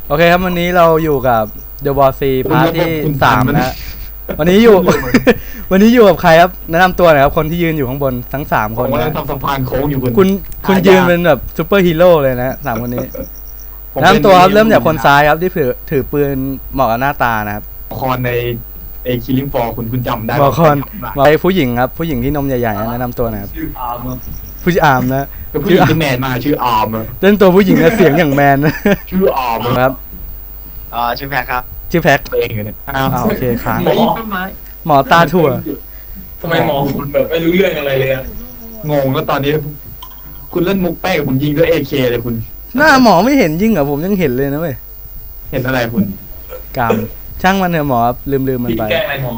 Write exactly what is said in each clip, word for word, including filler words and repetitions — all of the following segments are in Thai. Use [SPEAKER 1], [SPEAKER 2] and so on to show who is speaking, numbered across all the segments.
[SPEAKER 1] โอเคครับวันนี้เราอยู่กับเดอะบอสซีพาร์ทที่สามนะวันนี้อยู่ วันนี้อยู่กับใครครับแนะนำตัวหน่อยครับคนที่ยืนอยู่ข้างบนทั้งสามคนนะ
[SPEAKER 2] ผมกำลังทำสะพานโค้งอยู่คุณ
[SPEAKER 1] คุณคุณยืนเป็นแบบซูเปอร์ฮีโร่เลยนะสามคนนี้แนะนำตัวครับเริ่มจากคนซ้ายครับที่ถือถือปืนเหมาะกับหน้าตานะครับ
[SPEAKER 2] คอนในเอคิลิงฟอร์คุณคุณจำได้
[SPEAKER 1] บอกคนไปผู้หญิงครับผู้หญิงที่นมใหญ่ๆแนะนำตัวหน่อยครับ
[SPEAKER 3] ชื่ออาร์มครับ
[SPEAKER 1] ผู้ชายอาร์มนะ
[SPEAKER 2] ผู้หญิงที่แมนมาชื่ออาร์ม
[SPEAKER 1] เล่นตัวผู้หญิงกับเสียงอย่างแมนนะ
[SPEAKER 2] ชื่ออาร์ม
[SPEAKER 1] ครับ
[SPEAKER 3] อ่าชื่อแพคครับ
[SPEAKER 1] ชื่อแพ็ค
[SPEAKER 2] เองเนี่ยอ้าว
[SPEAKER 1] อ้าวโอเคค้าง
[SPEAKER 3] หมอต้นไม้
[SPEAKER 1] หมอตาถั่ว
[SPEAKER 3] ทำไมหมอคุณแบบไม่รู้เรื่องอะไรเลยอะ
[SPEAKER 2] งงแล้วตอนนี้ คุณเล่นมุกแป้งผมยิงด้วยเอเคเลยคุณ
[SPEAKER 1] หน้าหมอไม่เห็นยิ่งเหรอผมยังเห็นเลยนะเว้ย
[SPEAKER 2] เห็นอะไรคุณ
[SPEAKER 1] กามช่างมันเถอะหมอลืมลืมมัน
[SPEAKER 3] พี่
[SPEAKER 1] ไป
[SPEAKER 3] แกล้งอะไรหมอ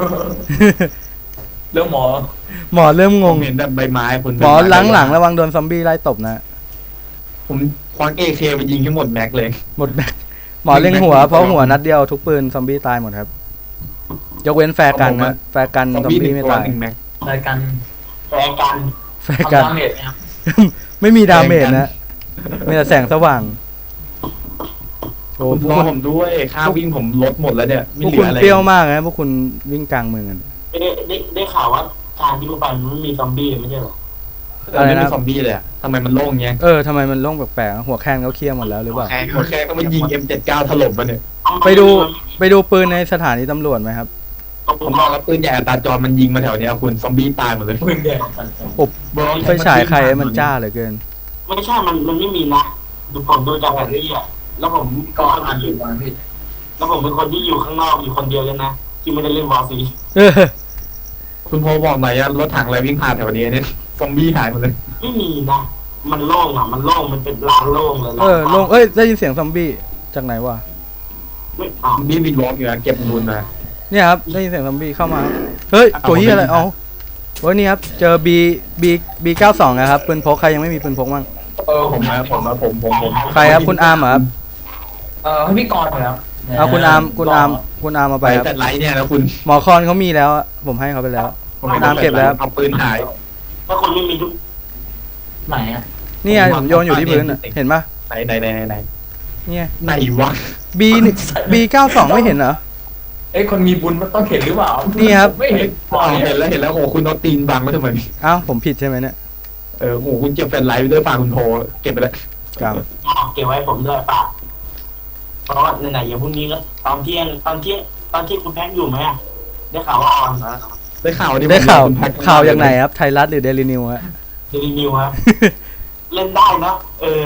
[SPEAKER 3] เรื่องหมอ
[SPEAKER 1] หมอเริ่มง
[SPEAKER 2] ผ
[SPEAKER 1] ง
[SPEAKER 2] มเห็นแต่ใบไม้คุณ
[SPEAKER 1] หมอหลังหลังระวังโดนซอมบี้ไล่ตบนะ
[SPEAKER 2] ผมควักเอเคไปยิงทั้งหมดแม็กเลย
[SPEAKER 1] หมดแม็กหมอเล็งหัวเพราะหัวนัดเดียวทุกปืนซอมบี้ตายหมดครับ ยกเว้นแฟร์กันนะแฟร์กัน
[SPEAKER 2] ซอม
[SPEAKER 1] ซอม
[SPEAKER 2] บี้หนึ่
[SPEAKER 1] บี้
[SPEAKER 2] ง
[SPEAKER 1] ไม่
[SPEAKER 2] ตัว
[SPEAKER 1] ตาย
[SPEAKER 2] หนึ่งแม็ก
[SPEAKER 3] รายการรายการ
[SPEAKER 1] แฟร์กัน
[SPEAKER 3] ทำดาเมจนะครับ
[SPEAKER 1] ไม่มีดาเมจนะมีแต่แสงสว่างโอ้
[SPEAKER 2] คุณ
[SPEAKER 1] พว
[SPEAKER 2] ร
[SPEAKER 1] ก
[SPEAKER 2] อ
[SPEAKER 1] คุณ
[SPEAKER 2] ผมด้วยค่าวิ่งผมลดหมดแล้วเนี่ย
[SPEAKER 1] พ
[SPEAKER 2] ไม่
[SPEAKER 1] วก
[SPEAKER 2] เหลื
[SPEAKER 1] คุณ
[SPEAKER 2] ออะไร
[SPEAKER 1] เปรี้ยวมากนะพวกคุณวิ่งกลางเมืองกัน
[SPEAKER 4] ไม่ได้ได้ได้ข่าวว่าทางที่กูไปมันไม่มีซอมบี้ไม่ใช่เหรอ
[SPEAKER 2] เออไม่มีซอมบี้เลยอะทำไมมันโล่งเงี้ย
[SPEAKER 1] เออทำไมมันโล่งแปลกๆหัวแคนเขาเคลียร์หมดแล้วหรือเปล่า
[SPEAKER 2] โอเคก็มันยิง เอ็ม เจ็ดสิบเก้า ถล่มมาเนี่ย
[SPEAKER 1] ไปดูไปดูปืนในสถานีตำรวจไหมครับ
[SPEAKER 2] ผมมองแล้วปืนใหญ่อัตราจรมันยิงมาแถวเนี้ยคุณซอมบี้ตายหมดเลย
[SPEAKER 3] ปืนแดง
[SPEAKER 1] อบไฟฉายใครมันจ้าเหลือเกิน
[SPEAKER 4] ไม่ใช่มันมันไม่มีนะดูผมดูจากแผนที่อะแล้วผม
[SPEAKER 3] ก็
[SPEAKER 4] ก็
[SPEAKER 3] อ่านอยู่วันพี่
[SPEAKER 4] แล้วผมเป็นคนที่อยู่ข้างนอกอยู่คนเดียวเลยนะที่ไม่ได้เล่นวอร์ซี
[SPEAKER 1] เออ
[SPEAKER 2] คุณโพบอกหน่อยอะรถถังอะไรวิ่งผ่านแถวนี้เนี่ยซอมบี้หายหมดเลย
[SPEAKER 4] ไม่มีนะมันโล่งอ่ะมันโล่งมันเป็นลานโล่งเลย
[SPEAKER 1] เออโล่งเอ้ยได้ยินเสียงซอมบี้จากไหนวะ
[SPEAKER 4] ไม่อ่า
[SPEAKER 2] ซอมบี้วินวอล์กอยู่นะเก็บนูนมา
[SPEAKER 1] เนี่ยครับได้ยินเสียงซอมบี้เข้ามาเฮ้ยตัวเฮียอะไรเอาเฮ้ยนี่ครับเจอ B B B เก้าสองนะครับปืนพกใครยังไม่มีปืนพกบ้าง
[SPEAKER 2] เออผมนะผมนะผมผมผม
[SPEAKER 1] ใครครับคุณอาร์มเหรอครับ
[SPEAKER 3] เออให้พี่กรณ์หน่อยครับ
[SPEAKER 1] เอาคุณอาร์มคุณอาร์มคุณอาร์มมา
[SPEAKER 2] ไป
[SPEAKER 1] ไปครับ
[SPEAKER 2] แต่ไลท์เนี่ยนะคุณ
[SPEAKER 1] หมอคอนเขามีแล้วอะผมให้เขาไปแล้ว
[SPEAKER 2] ผมไม่
[SPEAKER 1] น้ำเก็บแล้ว
[SPEAKER 2] เอาปืนหาย
[SPEAKER 4] ถ้าคนไม่มีทุก
[SPEAKER 3] ไหนอ่ะ
[SPEAKER 1] นี่ไงผมโยนอยู่ที่พื้นอะเห็นปะ
[SPEAKER 2] ไหนไหนไหนไหนไหน
[SPEAKER 1] เนี่ย
[SPEAKER 2] ไหนวะ
[SPEAKER 1] B B เก้าสองไม่เห็นเหรอ
[SPEAKER 3] เอ้ยคนมีบุญมันต้องเห็นหรือเปล่า
[SPEAKER 1] นี่ครับ
[SPEAKER 3] ไม่เห็น
[SPEAKER 2] อ๋อเห็นแล้วเห็นแล้วโอ้คุณเอาตีนบังไว้ทำไม
[SPEAKER 1] เอ้าผมผิดใช่ไหมเนี่ย
[SPEAKER 2] เออโอ้คุณเก็บแฟลชไลท์ไปด้วยฝากคุณโทรเก็บไปแล้ว
[SPEAKER 1] กรรม
[SPEAKER 4] อ่าเก็บไว้ผมด้วยป่ะเพราะว่าไหนๆอย่างพรุ่งนี้ก็ตอนเที่ยงตอนเที่ยงตอนที่คุณแพ็คอยู่ไหมอะได้ข่าวว่าออนนะ
[SPEAKER 2] ได้ข่าว
[SPEAKER 1] ได้ข่าว
[SPEAKER 2] คุณแพ็ค
[SPEAKER 1] ข่าวอย่างไหนครับไทยรัฐหรือเดลินิวฮะ
[SPEAKER 4] เดลินิวครับ เล่นได้นะเออ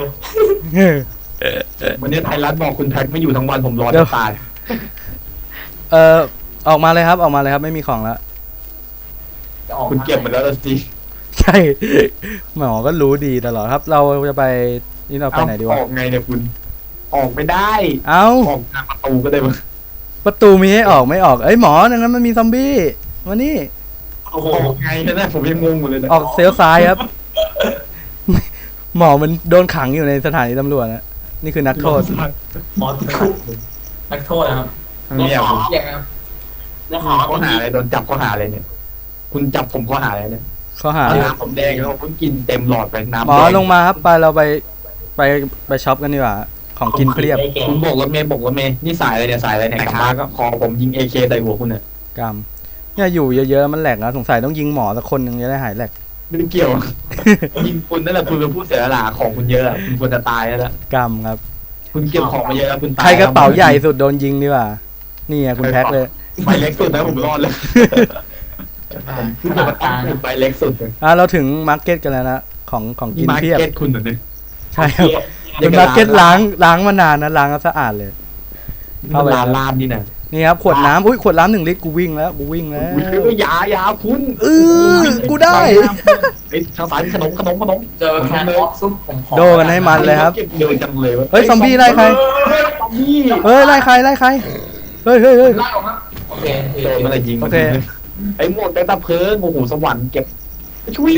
[SPEAKER 2] วันนี้ไทยรัฐบอกคุณแพ็คไม่อยู่ทั้งวันผมรอ
[SPEAKER 1] เดี๋ยว
[SPEAKER 2] จะตาย
[SPEAKER 1] เออออกมาเลยครับออกมาเลยครับไม่มีของแล้ว
[SPEAKER 3] จะออก
[SPEAKER 2] คุณเก็บหมดแล้วล่ะสิ
[SPEAKER 1] ใช่หมอก็รู้ดีตลอดครับ เราจะไปนี่เราไปไหนดี
[SPEAKER 2] อ
[SPEAKER 1] วะ
[SPEAKER 2] อกไงเนี่ยคุณ ออกไม่ได้
[SPEAKER 1] เอ้า
[SPEAKER 2] ออกทางประตูก็ได้มั้ง
[SPEAKER 1] ประตูมีให้ออกไม่ออกเอ้ยหมอดังนั้นมันมีซอมบี้มานี่
[SPEAKER 4] โอ้โห
[SPEAKER 2] ออกไงเนี่ยผมยังงงอยู่เลยนะ
[SPEAKER 1] ออกเซลซ้ายครับ หมอมันโดนขังอยู่ในสถานีตำรวจนะนี่คือนักโทษ
[SPEAKER 3] หมอติดคุกนักโทษนะครับ
[SPEAKER 2] ทางนี้อ่ะผม
[SPEAKER 3] เรียกนะครับ
[SPEAKER 4] ได้ข่าวว่า
[SPEAKER 2] ข้อหาอะไรโดนจับข้อหาอะไรเนี่ย คุณจับผมข้อหาอะไรเนี่ย
[SPEAKER 1] ข้อหา
[SPEAKER 2] น้ำผมแดงแล้วผมเพิ่งกินเต็มหลอดไปน้ำ
[SPEAKER 1] หมอ
[SPEAKER 2] แด
[SPEAKER 1] ลงมาครับไปเราไปไปไปช็อปกันดีกว่าของกินเพียบ
[SPEAKER 2] คุณบอกรถเมย์บอกรถเมย์นี่สายอะไรเนี่ยสายอะไรเนี่ยกลับมาก็คอผมยิงเอเคใส่หัวคุณเนี่ย
[SPEAKER 1] กรรมเนี่ยอยู่เยอะๆมันแหลกนะสงสัยต้องยิงหมอสักคนหนึ่งจะได้หายแหลก
[SPEAKER 2] ไม่ได้เกี่ยว ยิงคุณนั่นแหละคุณเป็นผู้เสียสละของคุณเยอะอะคุณควรจะตายแล้วล่ะ
[SPEAKER 1] กรรมครับ
[SPEAKER 2] คุณเก็บของมาเยอะแล้วคุณตาย
[SPEAKER 1] ใครกระเป๋าใหญ่สุดโดนยิงดีกว่านี่ไงคุณแพ็คเลย
[SPEAKER 2] ใบเล็กสุดนะผมรอดเลยคุณ
[SPEAKER 3] ข
[SPEAKER 2] จะ
[SPEAKER 3] นา
[SPEAKER 2] มา
[SPEAKER 3] ดก
[SPEAKER 2] ตั้
[SPEAKER 3] ลาง ง
[SPEAKER 2] เป็นใบเล็กสุดเลย
[SPEAKER 1] อ่ะเราถึงมาร์เก็ตกันแล้วนะของของ
[SPEAKER 2] นี่
[SPEAKER 1] กิน
[SPEAKER 2] มา
[SPEAKER 1] เพียบ
[SPEAKER 2] เก็ตคุณเหรอเนี่ย
[SPEAKER 1] ใช่ครับเป็นมาร์เก็ตล้างล้างมานานนะล้างก็สะอาดเลย
[SPEAKER 2] เข้าร้านลาบนี่นะ
[SPEAKER 1] นี่ครับขวดน้ำอุ้ยขวดน้ำหนึ่งลิตรกูวิ่งแล้วกูวิ่งแล้ว
[SPEAKER 2] อุ้ยยายาคุณ
[SPEAKER 1] เออกูได้
[SPEAKER 2] ไอ้ทางสายขนมขนมขนม
[SPEAKER 3] เจอแคนออฟซุปผมขอ
[SPEAKER 1] โดกันให้มันเลยครับ
[SPEAKER 2] เก็บเดินจังเลยวะ
[SPEAKER 1] เฮ้ยซอมบี้ไล่ใคร
[SPEAKER 2] ซอมบี้
[SPEAKER 1] เฮ้ยไล่ใครไล่ใครเฮ้ยเฮ้ยเฮ้ย
[SPEAKER 3] ไล่ออกมาโอเค
[SPEAKER 2] โดนอะไรยิง
[SPEAKER 1] โอเค
[SPEAKER 2] ไอ้หมดไอ้ตะเพิงโอ้โหสวรรค์เก็บช่วย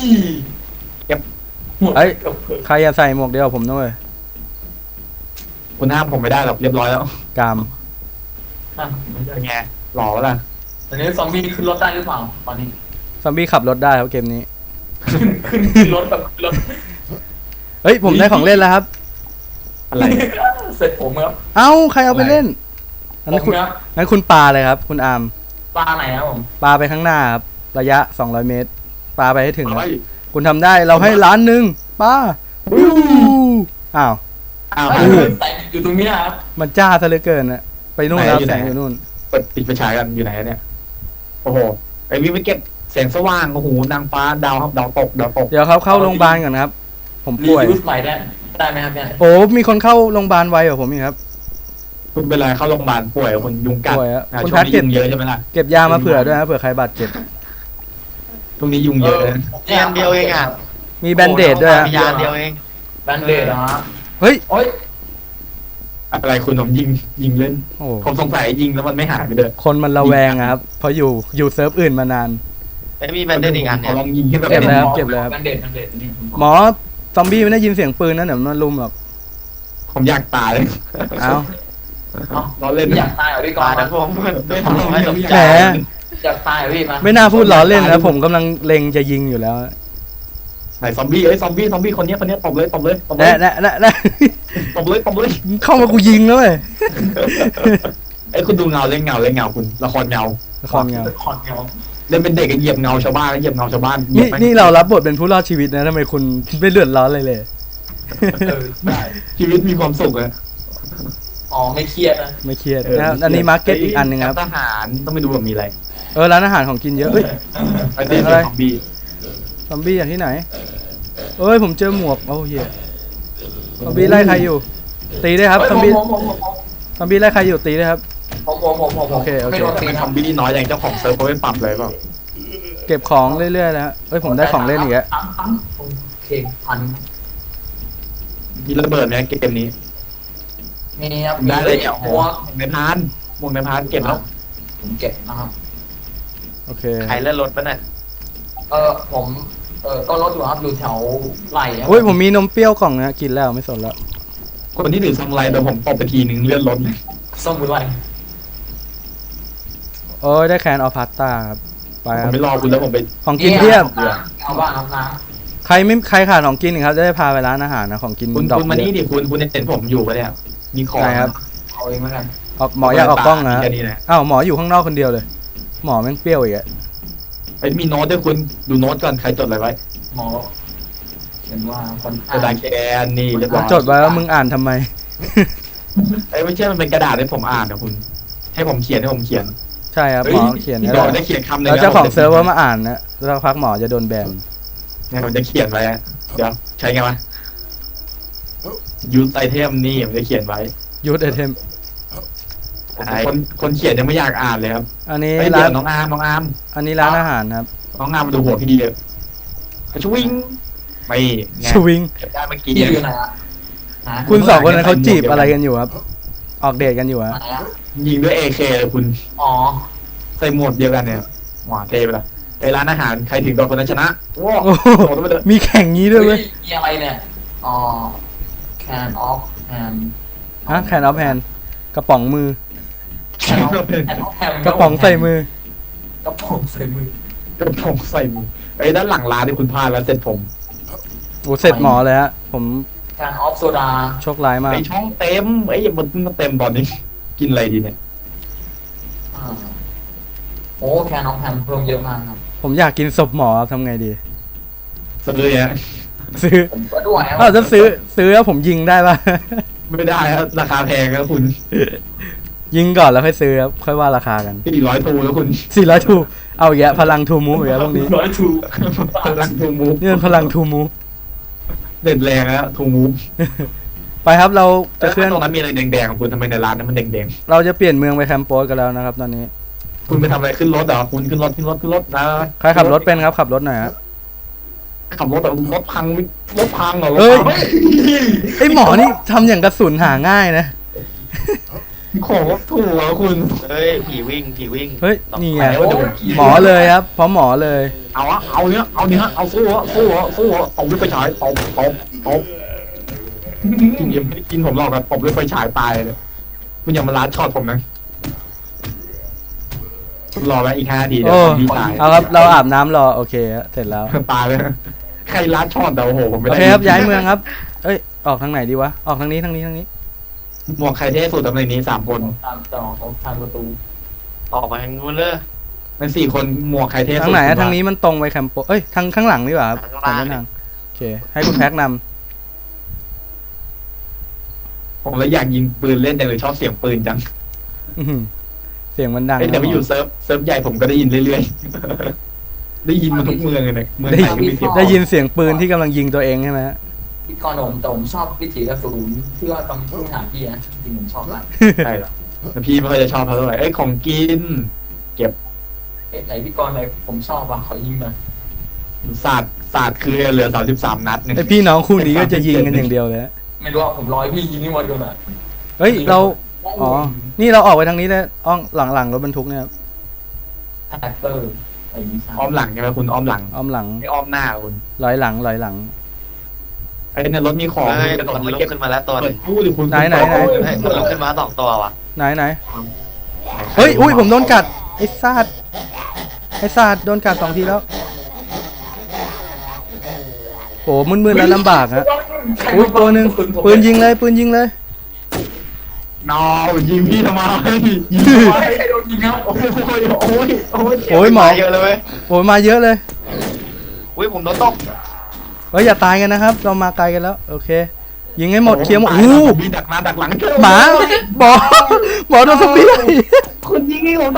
[SPEAKER 3] หมด
[SPEAKER 1] เฮ้ยใครอย่าใส่หมวกเดียวผมด้วย
[SPEAKER 2] คุณห้ามผมไม่ได้หรอกเรียบร้อยแล้ว
[SPEAKER 1] กรรม
[SPEAKER 3] อ่ะ
[SPEAKER 2] เป็นไงหล่อละ
[SPEAKER 3] ตอนนี้ซอมบี้ขึ้นรถได้หรือเปล่าตอนนี้
[SPEAKER 1] ซอมบี้ขับรถได้ครับเกมนี้
[SPEAKER 3] ขึ้นขึ้นขึ้นรถแบบขึ้นรถ
[SPEAKER 1] เฮ้ยผมได้ของเล่นแล้วครับ
[SPEAKER 2] อะไร
[SPEAKER 3] สเสร็จผมครับ
[SPEAKER 1] เอ้าใครเอาไปเล่นงั้น
[SPEAKER 3] ผม
[SPEAKER 1] คุณ
[SPEAKER 3] ครับ
[SPEAKER 1] งั้นคุณปาเลยครับ คุณอาร์ม
[SPEAKER 3] ปลาไหนครับผม
[SPEAKER 1] ปาไปข้างหน้าครับระยะสองร้อยเมตรปาไปให้ถึง
[SPEAKER 2] เอา
[SPEAKER 1] ค
[SPEAKER 2] ไว้
[SPEAKER 1] รับคุณทำได้เราให้ล้านหนึ่งปาอู้อ้าว
[SPEAKER 2] อ้าว
[SPEAKER 3] เอ้ยใส่อยู่ตรงนี้นะครับ
[SPEAKER 1] มันจ้าซะเหลือเกินนะไปนู่นแล้วแสงอยู่นู่น
[SPEAKER 2] เปิดปิดไฟฉายกันอยู่ไหนเนี่ยโอ้โหไอ้วิ่งไปเก็บแสงสว่างโอ้โหนางฟ้าดาวดาวตกดาวตก
[SPEAKER 1] เดี๋ยวเขาเข้าโรงพยาบาลก่อนครับ ผม
[SPEAKER 3] รี
[SPEAKER 1] ป่วย
[SPEAKER 3] ยูสใหม่ได้ได้ไหมครับเนี่ย
[SPEAKER 1] โอ้มีคนเข้าโรงพยาบาลไวกว่าผมอีกครับ
[SPEAKER 2] คุณเป็นไรเข้าโรงพยาบาลป่วยคนยุงกัด
[SPEAKER 1] ป่วยอะ
[SPEAKER 2] อ่ะ
[SPEAKER 1] คุณ
[SPEAKER 2] ช่ว
[SPEAKER 1] แพ
[SPEAKER 2] ง
[SPEAKER 1] ท
[SPEAKER 2] นี้
[SPEAKER 1] เก็บ
[SPEAKER 2] ยุงเยอะใช่ไหมล่ะ
[SPEAKER 1] เก็บยามาเผื่อด้วยนะเผื่อใครบาดเจ็บ
[SPEAKER 2] ช่วงนี้ยุงเยอะนะ
[SPEAKER 3] เรียนเดียวเองอ่ะ
[SPEAKER 1] มีแบนเดดด้วยนะ
[SPEAKER 3] มียาเดียวเองแบนเดดเหรอฮะ
[SPEAKER 1] เฮ้ย
[SPEAKER 3] โอ้ย
[SPEAKER 2] อะไรคุณผมยิงยิงเล่น
[SPEAKER 1] โอ้
[SPEAKER 2] ผมสงสัยยิงแล้วมันไม่หายไปเลย
[SPEAKER 1] คนมันระแวงอะครับเพราะอยู่อยู่เซิร์ฟอื่นมานาน
[SPEAKER 5] ไอ้มีแบนเดนอีกอัน
[SPEAKER 2] ข
[SPEAKER 5] เนี่
[SPEAKER 2] อย ลองยิงขึ้นแบบ
[SPEAKER 1] เก็บแล้ว
[SPEAKER 2] นี้
[SPEAKER 1] เก็บแล้ว
[SPEAKER 3] แบนเดดแบนเดดนี่
[SPEAKER 1] หมอซอมบี้ไม่ได้ยินเสียงปืนนะเดี๋ยวมันลุมหรอก
[SPEAKER 2] ผมอยากตายเลย
[SPEAKER 1] เอ้า
[SPEAKER 2] เราเล่น
[SPEAKER 3] อยากตายเหรอพี่กอ
[SPEAKER 5] ตาย
[SPEAKER 3] น
[SPEAKER 5] นะผมด้วยความไม่สนใจ
[SPEAKER 1] แหม
[SPEAKER 3] อยากตายเหรอพี่มา
[SPEAKER 1] ไม่น่าพูดล้อเล่นนะผมกำลังเล็งจะยิงอยู่แล้ว
[SPEAKER 2] ไหนซอมบี้เอ้ยซอมบี้ซอมบี้คนนี้คนนี้ตบเลยตบเลยตบเล
[SPEAKER 1] แน่
[SPEAKER 2] ย
[SPEAKER 1] แน่แน่แน่
[SPEAKER 2] ตบเลยตบเลย
[SPEAKER 1] เข้ามากูยิงแล้วเว้ย
[SPEAKER 2] ไอ้ยคุณดูเงาเล่นเงาเล่นเงาคุณละครเงา
[SPEAKER 1] ละครเงา
[SPEAKER 3] คอนเงา
[SPEAKER 2] เล่นเป็นเด็กก็เหยียบเงาชาวบ้านก็เหยียบเงาชาวบ้านเหยีย
[SPEAKER 1] นี่
[SPEAKER 2] บแม่ง
[SPEAKER 1] นี่เรารับบทเป็นผู้รอดชีวิตนะทำไมคุณไม่เลือดร้อนเลยเลย
[SPEAKER 3] เออได้
[SPEAKER 2] ชีวิตมีความสุขอะ
[SPEAKER 3] อ๋อไม่เครียดนะ
[SPEAKER 1] ไม่เครียดนะครับอันนี้มาร์เก็ตอีกอันหนึ่งครับ
[SPEAKER 2] ทหารต้องไปดูว่ามีอะไร
[SPEAKER 1] เออร้านอาหารของกินเยอะเอ้ย
[SPEAKER 2] ไอ้เด็ก
[SPEAKER 1] อะไร
[SPEAKER 2] ซอมบี้
[SPEAKER 1] ซอมบี้อย่างที่ไหนเอ้ยผมเจอหมวกโอ้เหี้ยซอมบี้ไล่ใครอยู่ ตีได้ครับซอมบี้
[SPEAKER 3] ผมผมผม
[SPEAKER 1] ซอมบี้ไล่ใครอยู่ตีได้ครับ
[SPEAKER 3] ผมผมผมผมผม
[SPEAKER 1] โอเคโอเค
[SPEAKER 3] ไม่โดนตี
[SPEAKER 2] เป็น
[SPEAKER 3] นะ
[SPEAKER 2] ซอมบี้น้อยอย่างเจ้าของเซิร์ฟเขาไม่ปรับเลยเปล่า
[SPEAKER 1] เก็บของเรื่อยๆแล้วฮะเอ้ยผมได้ของเล่นอีกแล้ว
[SPEAKER 3] ปั๊มปั๊มโอเคพัน
[SPEAKER 2] มีระเบิดไหมเกมนี้
[SPEAKER 3] มีครับ
[SPEAKER 2] ได้เลยเนี่ย
[SPEAKER 3] ห
[SPEAKER 2] โอ้
[SPEAKER 3] ม
[SPEAKER 2] โห
[SPEAKER 3] วก
[SPEAKER 2] ในพานหมวกในพานเก็บแล้ว
[SPEAKER 3] ผมเก็บนะครับ
[SPEAKER 1] โอเค
[SPEAKER 5] ใครเลื่อนรถปะเนี่ย
[SPEAKER 3] เออผมเออก็รถอยู่ครับอยู่แถวไหลครับ
[SPEAKER 1] โอ้ยผมมีนมเปรี้ยวกล่องนะกินแล้วไม่สนแล้ว
[SPEAKER 2] คนที่ถือซามูไรเดี๋ยวผมตบไปทีหนึ่งเลื่อนรถเลย
[SPEAKER 3] ส้มบุไหล
[SPEAKER 1] โอ้ยได้แคนออฟพาสต้าครับไป
[SPEAKER 2] ผ
[SPEAKER 1] ค
[SPEAKER 2] ม
[SPEAKER 1] รับ
[SPEAKER 2] ไม่รอคุณแล้วผมไป
[SPEAKER 1] ของกินเพียบ
[SPEAKER 3] เอาบ้างครับนะ
[SPEAKER 1] ใครไม่ใครขาดของกินอีกครับจะได้พาไปร้านอาหารนะของกิน
[SPEAKER 2] คุณ
[SPEAKER 1] ดอก
[SPEAKER 2] คุณมา
[SPEAKER 1] เย
[SPEAKER 2] นี่
[SPEAKER 1] อะ
[SPEAKER 2] ดิคุณคุณเห็นผมอยู่ปะเนี่ยมีของ
[SPEAKER 1] ไหนครับ
[SPEAKER 3] เอาเองแล้วกัน
[SPEAKER 1] ออกหมออยากออกกล้องนะ
[SPEAKER 2] แค่นี้แหละ
[SPEAKER 1] อ้าวหมออยู่ข้างนอกคนเดียวเลย หมอแม่งเปรี้ยวอีกอะ
[SPEAKER 2] ไอ้ยมีโน้ตด้วยคุณดูโน้ตก่อนใครจดอะไรไว้
[SPEAKER 3] หมอเขียนว่าคน
[SPEAKER 2] กระดาษแคนนี่เรียบร้อย
[SPEAKER 1] จดไว้ว่ามึงอ่านทำไม
[SPEAKER 2] ไอ้ยไม่ใช่มันเป็นกระดาษให้ผมอ่านนะคุณ ให้ผมเขียนให้ผมเขียน
[SPEAKER 1] ใช่ครับหมอเขียน
[SPEAKER 2] พี่
[SPEAKER 1] นะ
[SPEAKER 2] ดอกได้เขียนคำหนึ่ง
[SPEAKER 1] แล้ว
[SPEAKER 2] นะ
[SPEAKER 1] เจ้าของ
[SPEAKER 2] ผมจะ
[SPEAKER 1] เซิร์ฟเวอร์มาอ่านนะแล้วพักหมอจะโดนแบน
[SPEAKER 2] เนี่ยผมจะเขียนไว้อะเดี๋ยวใช้ไงวะยูสไอเทมนี่ผมจะเขียนไว้
[SPEAKER 1] ยูทไอเทม
[SPEAKER 2] คนคนเขียนยังไม่อยากอ่านเลยครับ
[SPEAKER 1] อันนี้
[SPEAKER 2] ไอ้ย
[SPEAKER 1] ร้า
[SPEAKER 2] เดี๋ย
[SPEAKER 1] น
[SPEAKER 2] วน้องอาร์มน้องอาร์ม
[SPEAKER 1] อันนี้ร้านอาหารครับ
[SPEAKER 2] น้องอาร์มมาดูหัวพี่ดีเลยชวิงไม่ไง
[SPEAKER 1] ชวิง
[SPEAKER 2] เก็บได้เมื่อกี้
[SPEAKER 3] ที่อยู่ไหนอะหา
[SPEAKER 1] คุณสองคนนั้นเขาจีบอะไรกันอยู่ครับ ออกเดทกันอยู่ฮะ
[SPEAKER 3] ไหนอะ
[SPEAKER 2] ยิงด้วยเอเคเลยคุณ
[SPEAKER 3] อ๋อ
[SPEAKER 2] ใส่หมวกเดียวกันเนี่ยหวาเทไปละไอ้ร้านอาหารใครถึงก่อนคนนั้นชนะโอ้
[SPEAKER 1] โอ้
[SPEAKER 2] โห
[SPEAKER 1] โห
[SPEAKER 2] โดนไปเลย
[SPEAKER 1] มีแข่งงี้ด้วยเว้ย
[SPEAKER 3] มีอะไรเนี่ยอ๋อ can off hand
[SPEAKER 1] ฮะแคนออฟแฮนกระป๋องมือ
[SPEAKER 3] can off can off hand
[SPEAKER 1] กระป๋องใส่มือ
[SPEAKER 3] กระป๋องใส่มือก
[SPEAKER 2] ระผมใส่มือไอ้ด้านหลังร้านที่คุณพลาดแล้วเสร็จผม
[SPEAKER 1] โอ้เสร็จหมอเลยฮะ ผม
[SPEAKER 3] can off soda
[SPEAKER 1] โชคร้ายมาก
[SPEAKER 2] ไอ้ช่องเต็มไอ้ยมันมาเต็มตอนนี้ กินอะไรดีเนี่ย
[SPEAKER 3] อ่าโอ้ can off hand เพิ่มเยอะมากครับ
[SPEAKER 1] ผมอยากกินศพหมอครับทำไงดี
[SPEAKER 2] ซื้อเนี่ย
[SPEAKER 1] ซื้อ
[SPEAKER 3] ผมก็ด้วยครับ
[SPEAKER 1] อ้าวจะซื้อซื้อแล้วผมยิงได้ปะ
[SPEAKER 2] ไม่ได้ครับราคาแพงครับคุณ
[SPEAKER 1] ยิงก่อนแล้วค่อยซื้อครับค่อยว่าราคากัน
[SPEAKER 2] สี่ร้อยทูแล้วคุณ
[SPEAKER 1] สี่ร้อยทูเอาอีกแล้วพลังทูมูฟอีกแล้วพวกนี้
[SPEAKER 3] ร้อยถูก
[SPEAKER 2] พลังทูมูฟ
[SPEAKER 1] นี่เป็นพลังทูมูฟ
[SPEAKER 2] เด่นแรงแล้วทูมูฟ
[SPEAKER 1] ไปครับเรา
[SPEAKER 2] แต่
[SPEAKER 1] จะเคลื่อน
[SPEAKER 2] ตรงนั้นมีอะไรแดงๆของคุณทำไมในร้านนั้นมันแดง
[SPEAKER 1] เราจะเปลี่ยนเมืองไปแคมป์โปสกันแล้วนะครับ ตอนนี้
[SPEAKER 2] ๆคุณไปทำอะไรขึ้นรถเหรอคุณขึ้นรถขึ้นรถขึ้นรถนะ
[SPEAKER 1] ใครขับรถเป็นครับขับรถหน่อยฮะ
[SPEAKER 2] ขับรถแต่รถพังรถพังเหรอรถ
[SPEAKER 1] เอ้ย
[SPEAKER 2] พัง
[SPEAKER 1] ไอหมอนี่ทำอย่างกระสุนหาง่ายนะ
[SPEAKER 2] ของรถถูกเหรอคุณ
[SPEAKER 5] เฮ้ยผีวิ่งผีวิ่ง
[SPEAKER 1] เฮ้ยนี่ไง
[SPEAKER 2] โอ้ย
[SPEAKER 1] หมอเลยครับเพราะหมอเลย
[SPEAKER 2] เอาอะเอาเนี้ยเอาเนี้ยเอาสู้อะสู้อะสู้อะตบด้วยไฟฉายตบตบตบกินยังไม่ได้กินผมหรอกครับตบด้วยไฟฉายตายเลยคุณอย่ามาลัดช็อตผมนะคุณรอไว้อีกห้านาทีเดี๋ยว
[SPEAKER 1] โอ้
[SPEAKER 2] ผมพี่ตาย
[SPEAKER 1] เอาครับเราอาบน้ำรอโอเคฮะเสร็จแล้ว
[SPEAKER 2] ตายเลยใครลัดช็อตแต่โอ้โหผมไม่
[SPEAKER 1] โอ
[SPEAKER 2] ได้
[SPEAKER 1] เคครับย้ายเมืองครับ เอ้ยออกทางไหนดีวะออกทางนี้ทางนี้ทางนี้
[SPEAKER 2] หมวกใครเท่สุดตำแหน่งนี้สามคน
[SPEAKER 3] ตามต่อของทางประตู
[SPEAKER 5] ออกมาทางนู้นเลย
[SPEAKER 2] เป็นสี่คนหมวกใครเท่สุด
[SPEAKER 1] ทางไหนอะ
[SPEAKER 2] ผมว่
[SPEAKER 1] ทางนี้มันตรงไปแคมโปเอ้ยทางข้างหลังดีกว่าครับ
[SPEAKER 5] ข้าง
[SPEAKER 1] ทา
[SPEAKER 5] ล่าง ง
[SPEAKER 1] ด้านทางโอเค ให้คุณแพ็กน
[SPEAKER 2] ผมเลยอยากยิงปืนเล่นแต่เลยชอบเสียงปืนจัง
[SPEAKER 1] ำอื้อหือเสียงมันดัง
[SPEAKER 2] เอ้ยแต่
[SPEAKER 1] นะ
[SPEAKER 2] ไปอยู่เซิร์ฟเซิร์ฟใหญ่ผมก็ได้ยินเรื่อยๆ ได้ยินมาทุกเมืองเลยเนี่ยเมืองไหนก็มีเสียง
[SPEAKER 1] ได้ยินเสียงปืนที่กำลังยิงตัวเองใช่ไหมฮะ
[SPEAKER 3] พี่กรณ์ผมแต่ผมชอบวิถีกระสุนที่ว่าตอนที่หาพี่นะจริงๆผมชอบมาก
[SPEAKER 2] ใช่เหรอแต่พี่ไม่ค่อยจะชอบเท่าไหร่เอ้ยของกิน
[SPEAKER 3] เอ๊ะไหนพี่กรณ์ไหนผมชอบว่ะขอยิงมา
[SPEAKER 2] ศาสตร์ศาสตร์คือเหลือสามสิบสามนัดเนี่ย
[SPEAKER 1] ไอพี่น้องคู่นี้ก็จะยิงกันอย่างเดียวเลยฮะ
[SPEAKER 3] ไม่รู้ว่าผมร้อยพี่ยิงนี่หมดกันอ่ะ
[SPEAKER 1] เฮ้ยเราอ๋อนี่เราออกไปทางนี้เลยอ้องหลังหลังรถบรรทุกเนี่ยครับ
[SPEAKER 3] แท็กเตอร์ไอ้นี่ใช่
[SPEAKER 2] อ้อมหลังใช่ไหมคุณอ้อมหลัง
[SPEAKER 1] อ้อมหลัง
[SPEAKER 2] ไม่อ้อมหน้าคุณ
[SPEAKER 1] ลอยหลังลอยหลัง
[SPEAKER 2] ไอ้เนี่ยรถมีของ
[SPEAKER 5] เฮ้ย
[SPEAKER 2] กระโดด
[SPEAKER 5] มัน
[SPEAKER 2] มา
[SPEAKER 5] ลุก
[SPEAKER 2] เก็บ
[SPEAKER 5] ขึ้นมาแล้วตัวห
[SPEAKER 2] เปิ
[SPEAKER 5] นึ
[SPEAKER 2] ด
[SPEAKER 5] ง
[SPEAKER 2] กู้ดิคุณ
[SPEAKER 1] ไหนไหนไหน
[SPEAKER 5] เฮ้ยมันลุกขึ้นมาสองตัวว่ะ
[SPEAKER 1] ไหนไหนเฮ้ยอุ้ยผมโดนกัดไอ้ซาดไอ้ซาดโดนกัดสองทีแล้วโหมึนๆแล้วลำบากฮะอุ้ยตัวหนึ่งปืนยิงเลยปืนยิงเลย
[SPEAKER 2] นอยิงพี่ทำไมยิง
[SPEAKER 3] ใค
[SPEAKER 2] ทำไม
[SPEAKER 3] รโดนยิงครับ
[SPEAKER 2] โอ้ยโอ้ยโอ้ย
[SPEAKER 1] โอ้ยหมอ
[SPEAKER 5] เยอะเลยเว้ย
[SPEAKER 1] โอ้ยมาเยอะเลย
[SPEAKER 5] อุ้ยผมโดนตก
[SPEAKER 1] เฮ้ยอย่าตายกันนะครับ เรามาไกลกันแล้วโอเค ยิงให้หมดเคลียร์หมด
[SPEAKER 2] ตา
[SPEAKER 1] อู้
[SPEAKER 2] มีดักหน้าดักหลัง
[SPEAKER 1] หมาหมอหมอโดนซอมบี้
[SPEAKER 2] คุณยิงให้ผมได้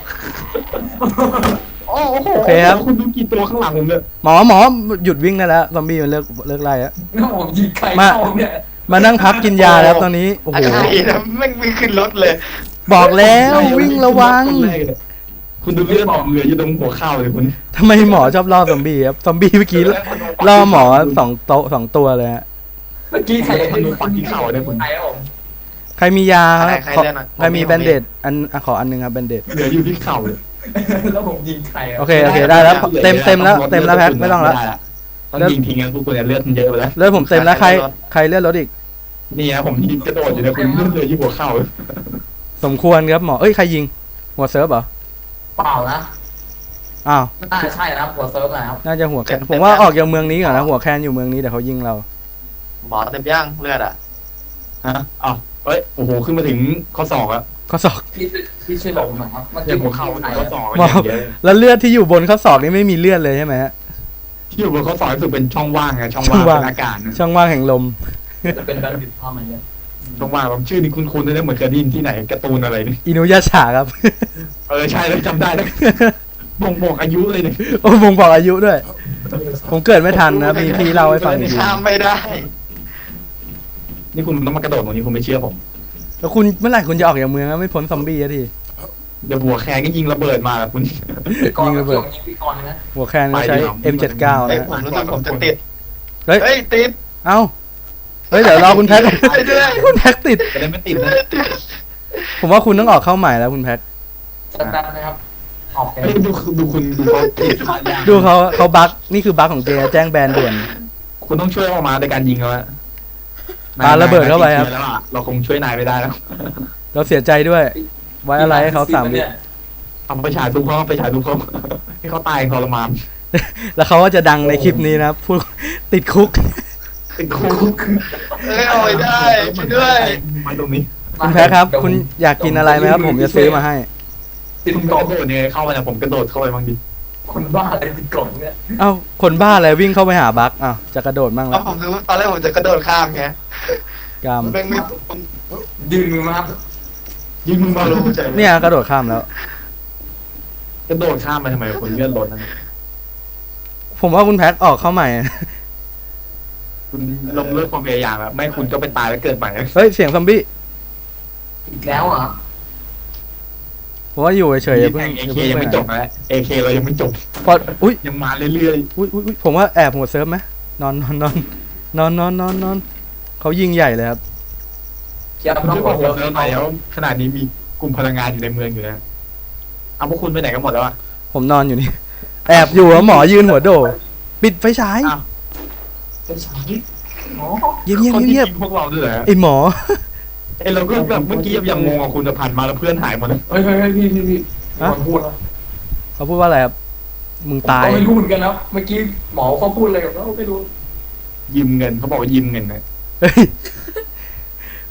[SPEAKER 2] โอ้โห
[SPEAKER 1] โอเคครับ
[SPEAKER 2] คุณดูกี่ตัวข้างหลังผมเนี่ย
[SPEAKER 1] หมอหมอหยุดวิ่งได้แล้วซอมบี้มันเลิกเลิกไล่แล้ว
[SPEAKER 3] แล้วผมยิงใคร
[SPEAKER 1] มา
[SPEAKER 3] เข้าเนี่ย
[SPEAKER 1] มานั่งพักกินยาแล้วตอนนี้โอ้โห
[SPEAKER 5] อะไรนะแม่งไม่ขึ้นรถเลย
[SPEAKER 1] บอกแล้ววิ่งระวัง
[SPEAKER 2] คุณดูเลือดออกเหลืออยู่ตรงหัวเข่าเลยคุณ
[SPEAKER 1] ทำไมหมอชอบล่อซอมบี้ครับซอมบี้เมื่อกี้ล่อหมอสองโตะสองตัวเลยฮะ
[SPEAKER 3] เมื่อกี้ใคร
[SPEAKER 2] คุณดูปักที่เข่าเลยคุณ
[SPEAKER 3] ใครครับผม
[SPEAKER 1] ใครมียาครับ
[SPEAKER 5] ใคร
[SPEAKER 1] ขอ
[SPEAKER 5] เลือกหน่อย
[SPEAKER 1] ใครมีแบนเดดอันอ่ะขออันหนึงครับแบนเดด
[SPEAKER 2] เหลืออยู่ที่เข่าเลย
[SPEAKER 3] แล้วผมยิงใครอะ
[SPEAKER 1] โอเคโอเคได้แล้วเต็มเต็มแล้วเต็มแล้วแพ็คไม่ต้องแล้ว
[SPEAKER 2] ต้องยิงทิ้งกันพวกคุณเลือดมันเยอะไปแล้ว
[SPEAKER 1] เลือดผมเต็มแล้วใครใครเลือดลดอีก
[SPEAKER 2] นี่ฮะผมยิงกระโดดอยู่นะคุณเลือดเลยที่หัวเข่า
[SPEAKER 1] สมควรครับหมอเอ้ยใครยิงหัวเซิร์ฟเหรอ
[SPEAKER 3] เปล่านะ
[SPEAKER 1] อ้าว
[SPEAKER 3] น่าใช่นะครับหัวเซิร์ฟนะครับ
[SPEAKER 1] น่าจะหัวแคนผมว่าออกจากเมืองนี้ก่อนนะหัวแคนอยู่เมืองนี้แต่เขายิงเรา
[SPEAKER 5] หมอเต็มย่างเลือดอ่ะ
[SPEAKER 2] ฮะอ้าวเอ้ยโอ้โหขึ้นมาถึงข้อศอกอะ
[SPEAKER 1] ข้อศอก
[SPEAKER 3] พี่พี่ช่วยบอกผมหน่อยครับเมื่อ
[SPEAKER 2] เนี่
[SPEAKER 3] กี้
[SPEAKER 2] ย
[SPEAKER 3] ผ
[SPEAKER 2] หัว
[SPEAKER 3] ม
[SPEAKER 2] เข่า
[SPEAKER 3] เข้าไหน
[SPEAKER 2] ข้อ
[SPEAKER 3] อะ
[SPEAKER 2] ศอก
[SPEAKER 1] หมอ
[SPEAKER 2] อย่างเดียว
[SPEAKER 1] แล้วเลือดที่อยู่บนข้อศอกนี่ไม่มีเลือดเลยใช่ไหมฮะ
[SPEAKER 2] ที่อยู่บนข้อศอกรู้สึกเป็นช่องว่างไงช่อง
[SPEAKER 1] ช่อง
[SPEAKER 2] ว่าง
[SPEAKER 1] ว่าง
[SPEAKER 2] เป็นอากาศนะ
[SPEAKER 1] ช่องว่างแห่งลม
[SPEAKER 3] จะเป็นการบิดพ่อมาเนี่ย
[SPEAKER 2] ช่องว่างผมชื่อนี้คุ้นๆนะเหมือนเคยได้ยินที่ไหนการ์ตูนอะไรนี่
[SPEAKER 1] อินุยาฉาครับ
[SPEAKER 2] เออใช่แล้วจำได้แล้วบ่งบอกอายุเลยเนี่ย
[SPEAKER 1] โอ้ผมบอกอายุด้วย ผมเกิดไม่ทันนะมีพี่เล่าให้ฟังอีกที
[SPEAKER 5] ข้ามไม่ได้
[SPEAKER 2] นี่คุณต้องมากระโดดตรงนี้คุณไม่เชื่อผม
[SPEAKER 1] แล้วคุณเมื่อไหร่คุณจะออกจากเมืองอะไม่พ้นซอมบี้อะที
[SPEAKER 2] เดี๋ยวหัวแคนก็ยิงระเบิดมาแบบคุณ
[SPEAKER 3] ก่อน
[SPEAKER 1] ยิงระเบิด
[SPEAKER 3] ยิงพี่กรณ์นะ
[SPEAKER 1] หัวแคนก็ใช้ เอ็ม เจ็ดสิบเก้า
[SPEAKER 5] เฮ้ย
[SPEAKER 1] นะ
[SPEAKER 5] ผมรู้สึกผมจะติด
[SPEAKER 1] เฮ้ย
[SPEAKER 5] เฮ้ยติด
[SPEAKER 1] เอ้าเฮ้ยเดี๋ยวรอคุณแพ็ค
[SPEAKER 5] ไปด้วย
[SPEAKER 1] คุณแพ็คติด
[SPEAKER 2] จะได้ไม่ติดนะ
[SPEAKER 1] ผมว่าคุณต้องออกเข้าใหม่แล้วคุณแพ็ค
[SPEAKER 3] จะแป๊บนะครับออกไป
[SPEAKER 2] เฮ้ยดูดูคุณดูเขาติดขาดยาง
[SPEAKER 1] ดูเขาเขาบั๊กนี่คือบั๊กของเจแจ้งแบนด่วน
[SPEAKER 2] คุณต้องช่วยออกมาในการยิงเขาอะ
[SPEAKER 1] ปาระเบิดเข้าไปครับ
[SPEAKER 2] นยแล้วอะเราคงช่วยนายไม่ได้แล้ว
[SPEAKER 1] เราเสียใจด้วย ไว้อะไรให้เขาสามวิ
[SPEAKER 3] เนี่ย
[SPEAKER 2] เอาไปฉายทุกเขาไปฉายทุกเขาให้เขาตายทรมาน
[SPEAKER 1] แล้วเขาก็จะดังในคลิปนี้นะพูดติดคุก
[SPEAKER 2] ติดคุก
[SPEAKER 5] เอ้ยเอาไว้ได้ช่วยด้วย
[SPEAKER 2] มาตรงนี้
[SPEAKER 1] คุณแพ็คครับ คุณอยากกินอะไรไหมครับ ผมจะซื้อมาให้
[SPEAKER 3] ติด
[SPEAKER 2] คุณ
[SPEAKER 3] กล่อง
[SPEAKER 2] กระโดดยังไงเข้าไปนะผมกระโดดเข้าไปบางที
[SPEAKER 3] คนบ้าอะไรติดกล่องเนี่ย
[SPEAKER 1] เอ้าคนบ้าอะไรวิ่งเข้าไปหาบั๊กอ้าวจะกระโดดมั่ง
[SPEAKER 5] เพ
[SPEAKER 1] แล้ว
[SPEAKER 5] ราะผมรู้ตอนแรกผมจะกระโดดข้ามไง
[SPEAKER 1] กรรม
[SPEAKER 5] แม่งไม่
[SPEAKER 3] ยืนมือมาครับ
[SPEAKER 2] ยิงมึงมารู้ใจ
[SPEAKER 1] เนี่ยกระโดดข้ามแล้ว
[SPEAKER 2] กระโดดข้ามไปทำไมคนเลื่อนรถนั่น
[SPEAKER 1] ผมว่าคุณแพ็คออกเข้าใหม่
[SPEAKER 2] คุณลงเลิกความพยายามอะไม่คุณก็ไปตายแล้วเกิดใหม่
[SPEAKER 1] เฮ้ยเสียงซอมบี้
[SPEAKER 3] อีกแล้วเหรอ
[SPEAKER 1] ผมว่าอยู่เฉยๆอย่าเพิ่ง
[SPEAKER 2] เอ
[SPEAKER 1] อย่า
[SPEAKER 2] เค
[SPEAKER 1] เพิ่ง
[SPEAKER 2] ยัง
[SPEAKER 1] ไป
[SPEAKER 2] ไม่
[SPEAKER 1] ไหน
[SPEAKER 2] จบนะเอเคเรายังไม่จบ
[SPEAKER 1] พออุ้ย
[SPEAKER 2] ยังมาเรื่อย
[SPEAKER 1] อุ้ยอุ้ยอุ๊ยผมว่าแอบหัวเซิร์ฟไหมนอนนอนนอนนอนนอนนอนนอนเขายิงใหญ่เลยครับ
[SPEAKER 3] เชียร์
[SPEAKER 2] ๆคุณ
[SPEAKER 3] น้อง
[SPEAKER 2] ช่วย
[SPEAKER 3] บบ อ
[SPEAKER 2] อก ก
[SPEAKER 3] เซิ
[SPEAKER 2] ผ
[SPEAKER 3] ร์
[SPEAKER 2] ม
[SPEAKER 3] ฟ
[SPEAKER 2] หน่อยแล้วขนาดนี้มีกลุ่มพลังงานอยู่ในเมืองอยู่นะเอาพวกคุณไปไหนกันหมดแล้วอะ
[SPEAKER 1] ผมนอนอยู่นี่ แอบอยู่แล้วหมอยืนหัวโดดปิดไฟฉาย
[SPEAKER 2] อ้าว
[SPEAKER 3] เป็นฉายอ๋อ
[SPEAKER 1] เงียบเงียบ
[SPEAKER 2] คนที่
[SPEAKER 1] เงียบ
[SPEAKER 2] ยิงพวกเราด้วยเหรอ
[SPEAKER 1] ไอหมอ
[SPEAKER 2] ไอเราก็แบบเมื่อกี้ยังงงกับคุณจะผ่านมาแล้วเพื่อนหายหมดเลย
[SPEAKER 3] เฮ้ยเฮ้ยเฮ้ยพี่พี่พี่
[SPEAKER 1] ฮะ
[SPEAKER 3] คนพูดนะ
[SPEAKER 1] เขาพูดว่าอะไรครับมึงตาย
[SPEAKER 3] ก็ไม่รู้เหมือนกันนะเมื่อกี้หมอเขาพูดอะไรกับเราไม่รู้
[SPEAKER 2] ยืมเงินเขาบอกว่ายืมเงินนะ
[SPEAKER 1] เฮ้ย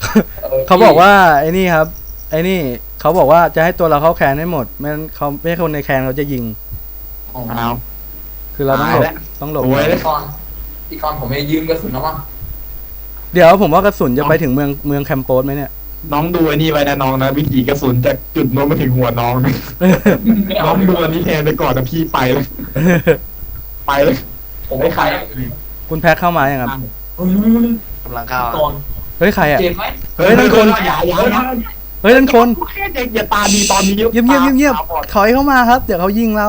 [SPEAKER 1] เขาบอกว่าไอ้นี่ครับ ไอ้นี่เขาบอกว่าจะให้ตัวเราเข้าแคนให้หมดไม่งั้นเขาไม่ให้คนในแคนเขาจะยิง
[SPEAKER 3] อ๋อ
[SPEAKER 2] เอา
[SPEAKER 1] คือเราต้องหลบ
[SPEAKER 2] ตายแล้ว
[SPEAKER 1] ต้องหลบ
[SPEAKER 2] โอ้ย
[SPEAKER 3] พี่กรณ์พี่กรณ์ผมไม่ยืมกระสุนแล้วมั้ง
[SPEAKER 1] เดี๋ยวผมว่ากระสุนจะไปถึงเมืองเมืองแคมโปสไหมเนี่ย
[SPEAKER 2] น้องดูไอ้นี่ไว้นะน้องนะวิถีกระสุนจากจุดโน้นมาถึงหัวน้องนะน้องดูอันนี้แทนไปก่อนนะพี่ไปเลยไปเลย
[SPEAKER 3] ผม
[SPEAKER 2] ไม่
[SPEAKER 3] ไม่
[SPEAKER 2] ใคร
[SPEAKER 3] ใคร
[SPEAKER 1] คุณแพ็คเข้ามายังครับ
[SPEAKER 3] เฮ้ย
[SPEAKER 5] กำลังเข้า
[SPEAKER 3] ก่อน
[SPEAKER 1] เฮ้ยใครอ่ะ
[SPEAKER 3] เจ็บไหม
[SPEAKER 1] เฮ้ยนั่นคน
[SPEAKER 2] อย่าอย่าอย่า
[SPEAKER 1] เฮ้ยนั่นคน
[SPEAKER 2] แค่เด็กอย่าตาดีตอนนี้
[SPEAKER 1] เงียบเงียบเงียบเงียบ
[SPEAKER 2] ตาบอด
[SPEAKER 1] ถอยเข้ามาครับ เดี๋ยวเขายิงเรา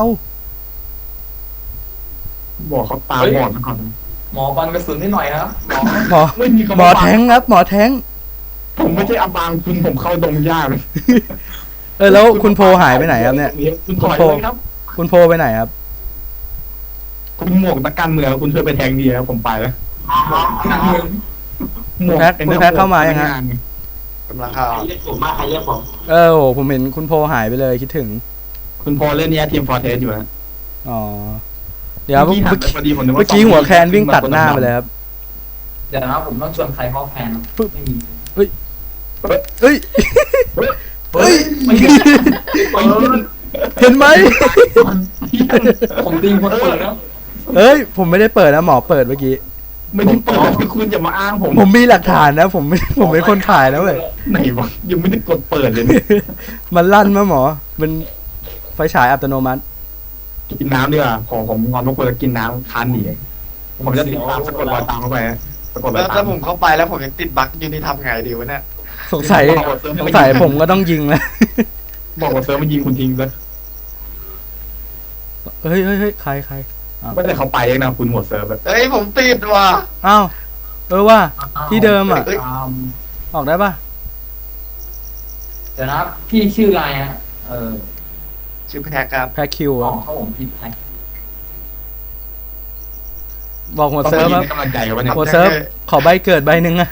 [SPEAKER 2] บอกเขาตาบอดมาก่อนนะ
[SPEAKER 3] หมอปันกระสุนให้หน่อยครับหมอ
[SPEAKER 1] หมอ
[SPEAKER 2] ไม่มีคำ
[SPEAKER 1] หมอ
[SPEAKER 2] ว่า
[SPEAKER 1] แทงครับ หมอแทง
[SPEAKER 2] ผมไม่ใช่อับบางคุณผมเข้าดงยากเลย
[SPEAKER 1] เออแล้วคุณโพหายไปไหนครับเนี่ย
[SPEAKER 2] คุณถอยเลยครับ
[SPEAKER 1] คุณโพไปไหนครับ
[SPEAKER 2] คุณหมวกนักการเมืองคุณช่วยไปแทงดีครับผมไปแล้วหมวก
[SPEAKER 1] แพ็คคุณแพ็คเข้ามายังฮะ
[SPEAKER 5] กำลังเข้า
[SPEAKER 4] ใครเรียกผมมาใครเรียกผม
[SPEAKER 1] เออโหผมเห็นคุณโพหายไปเลยคิดถึง
[SPEAKER 2] คุณพอเล่นเนี้ยทีมฟอร์เทสอยู่นะ
[SPEAKER 1] อ๋อ เดี๋ยวเมื่อ
[SPEAKER 2] หัน
[SPEAKER 1] กี้
[SPEAKER 2] ไปพอดีผมนึว่า
[SPEAKER 1] เมื่อกี้หัวแคนวิ่งตัดหน้าไปเลยครับ
[SPEAKER 3] เดี๋ยวนะผมต้องชวนใครเข้าแพน
[SPEAKER 1] ปึ๊บ
[SPEAKER 3] ไม่มี
[SPEAKER 1] เอ้ย
[SPEAKER 2] เฮ้ย
[SPEAKER 1] เฮ้ย
[SPEAKER 3] ไม่มี
[SPEAKER 1] เห็นไหม
[SPEAKER 3] ผมตีคนเปิดแล้ว
[SPEAKER 1] เอ้ย ผมไม่ได้เปิดนะหมอเปิดเมื่อกี้
[SPEAKER 2] ไม่ได้เปิดคุณจะมาอ้างผม
[SPEAKER 1] ผมมีหลักฐานนะ ผมไม่ผมเป็นคนถ่ายนะเว้ย
[SPEAKER 2] ไหนวะยังไม่ได้กดเปิดเลยเนี่ย
[SPEAKER 1] มันลั่นมาหมอ มันไฟฉายอัตโนมัติ
[SPEAKER 2] กินน้ำดีกว่าขอผมงอนทุกคนแล้วกินน้ำคันหนีผมจะติดตามสะกดรอยตามเข้าไปสะกดรอ
[SPEAKER 5] แล้
[SPEAKER 2] ยว ตา
[SPEAKER 5] ถ้าม ผมเข้าไปแล้วผมยังติดบั๊กอยู่นี่ทำไงดีวะเนี่ย
[SPEAKER 1] สงสัยสงสัยผมก็ต้องยิงแล้ว
[SPEAKER 2] บอกว่าเซิร์ฟมันยิงคุณทิ้งเลย
[SPEAKER 1] เฮ้ยเฮ้ยเฮ้ยใครใคร
[SPEAKER 2] ไม่ได้เขาไปเองนะคุณหมดเซิร์ฟแบบ
[SPEAKER 5] เฮ้ยผมติดว่ะ
[SPEAKER 1] อ้าว เออว่า ที่เดิมอ่ะ
[SPEAKER 5] เฮ้ย
[SPEAKER 1] ออกได้ปะ
[SPEAKER 3] เดี๋ยวนะพี่ชื่ออะไรฮะเออ
[SPEAKER 5] ชื่อแพ็กครับ
[SPEAKER 1] แพ็คคิว
[SPEAKER 3] อ๋อ
[SPEAKER 1] อะ
[SPEAKER 3] เขาผมผิดแท็ก
[SPEAKER 1] บอกหัว
[SPEAKER 2] ต้อง
[SPEAKER 1] เซิร์ฟ
[SPEAKER 2] มา
[SPEAKER 1] ครับ
[SPEAKER 2] ให้กำลังใจกันวะเนี่ย
[SPEAKER 1] หัวเซิร์ฟ ขอใบเกิดใบหนึ่งอะ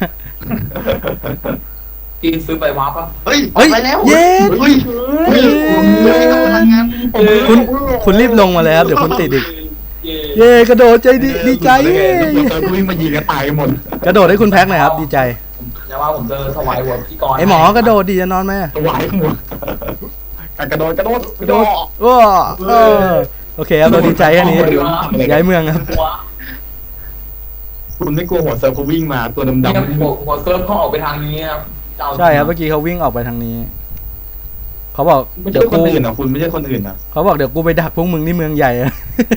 [SPEAKER 3] พี่ซื้อไปวาร์ปป่ะ
[SPEAKER 5] เฮ้ยออ
[SPEAKER 1] เฮ้
[SPEAKER 5] ก
[SPEAKER 1] ย
[SPEAKER 5] ไปแล้ว
[SPEAKER 1] เย้
[SPEAKER 5] เฮ้ยเฮ้ยเฮ้ยกำลังงาน
[SPEAKER 1] คุณคุณรีบลงมาเลยครับ เดี๋ยวคุณติดอีก เย่กระโดดใจดีดีใจเย่
[SPEAKER 2] หัวเซิร์ฟวิ่งมายิงกันตายหมด
[SPEAKER 1] กระโดดให้คุณแพ็คหน่อยครับ ดีใจ
[SPEAKER 3] ผมจะว่าผมเจอถวายหัวพี่กรณ์
[SPEAKER 1] ไอหมอกระโดดดีจะนอนไหม
[SPEAKER 2] ตัวไหวหมดกระโดดกระโดด
[SPEAKER 1] กระโดดว้าเออโอเคครับเราดีใจแค่นี้ย้ายเมืองครับ
[SPEAKER 3] หัว
[SPEAKER 2] คุณไม่กลัวหัวเซิร์ฟเขาวิ่งมาตัวดำ
[SPEAKER 3] เนี่ย
[SPEAKER 2] ๆ
[SPEAKER 3] หัวหัวเซิร์ฟเขาออกไปทางนี้ครับจะเอา
[SPEAKER 1] ใช่ครับเมื่อกี้เขาวิ่งออกไปทางนี้ เขาบอก
[SPEAKER 2] ไม่
[SPEAKER 1] เดี๋
[SPEAKER 2] ใช่
[SPEAKER 1] ยว
[SPEAKER 2] คน
[SPEAKER 1] กู
[SPEAKER 2] อื่นอ่ะคุณไม่ใช่คนอื่นอ่ะ
[SPEAKER 1] เขาบอกเดี๋ยวกูไปดักพวกมึงที่เมืองใหญ่อะ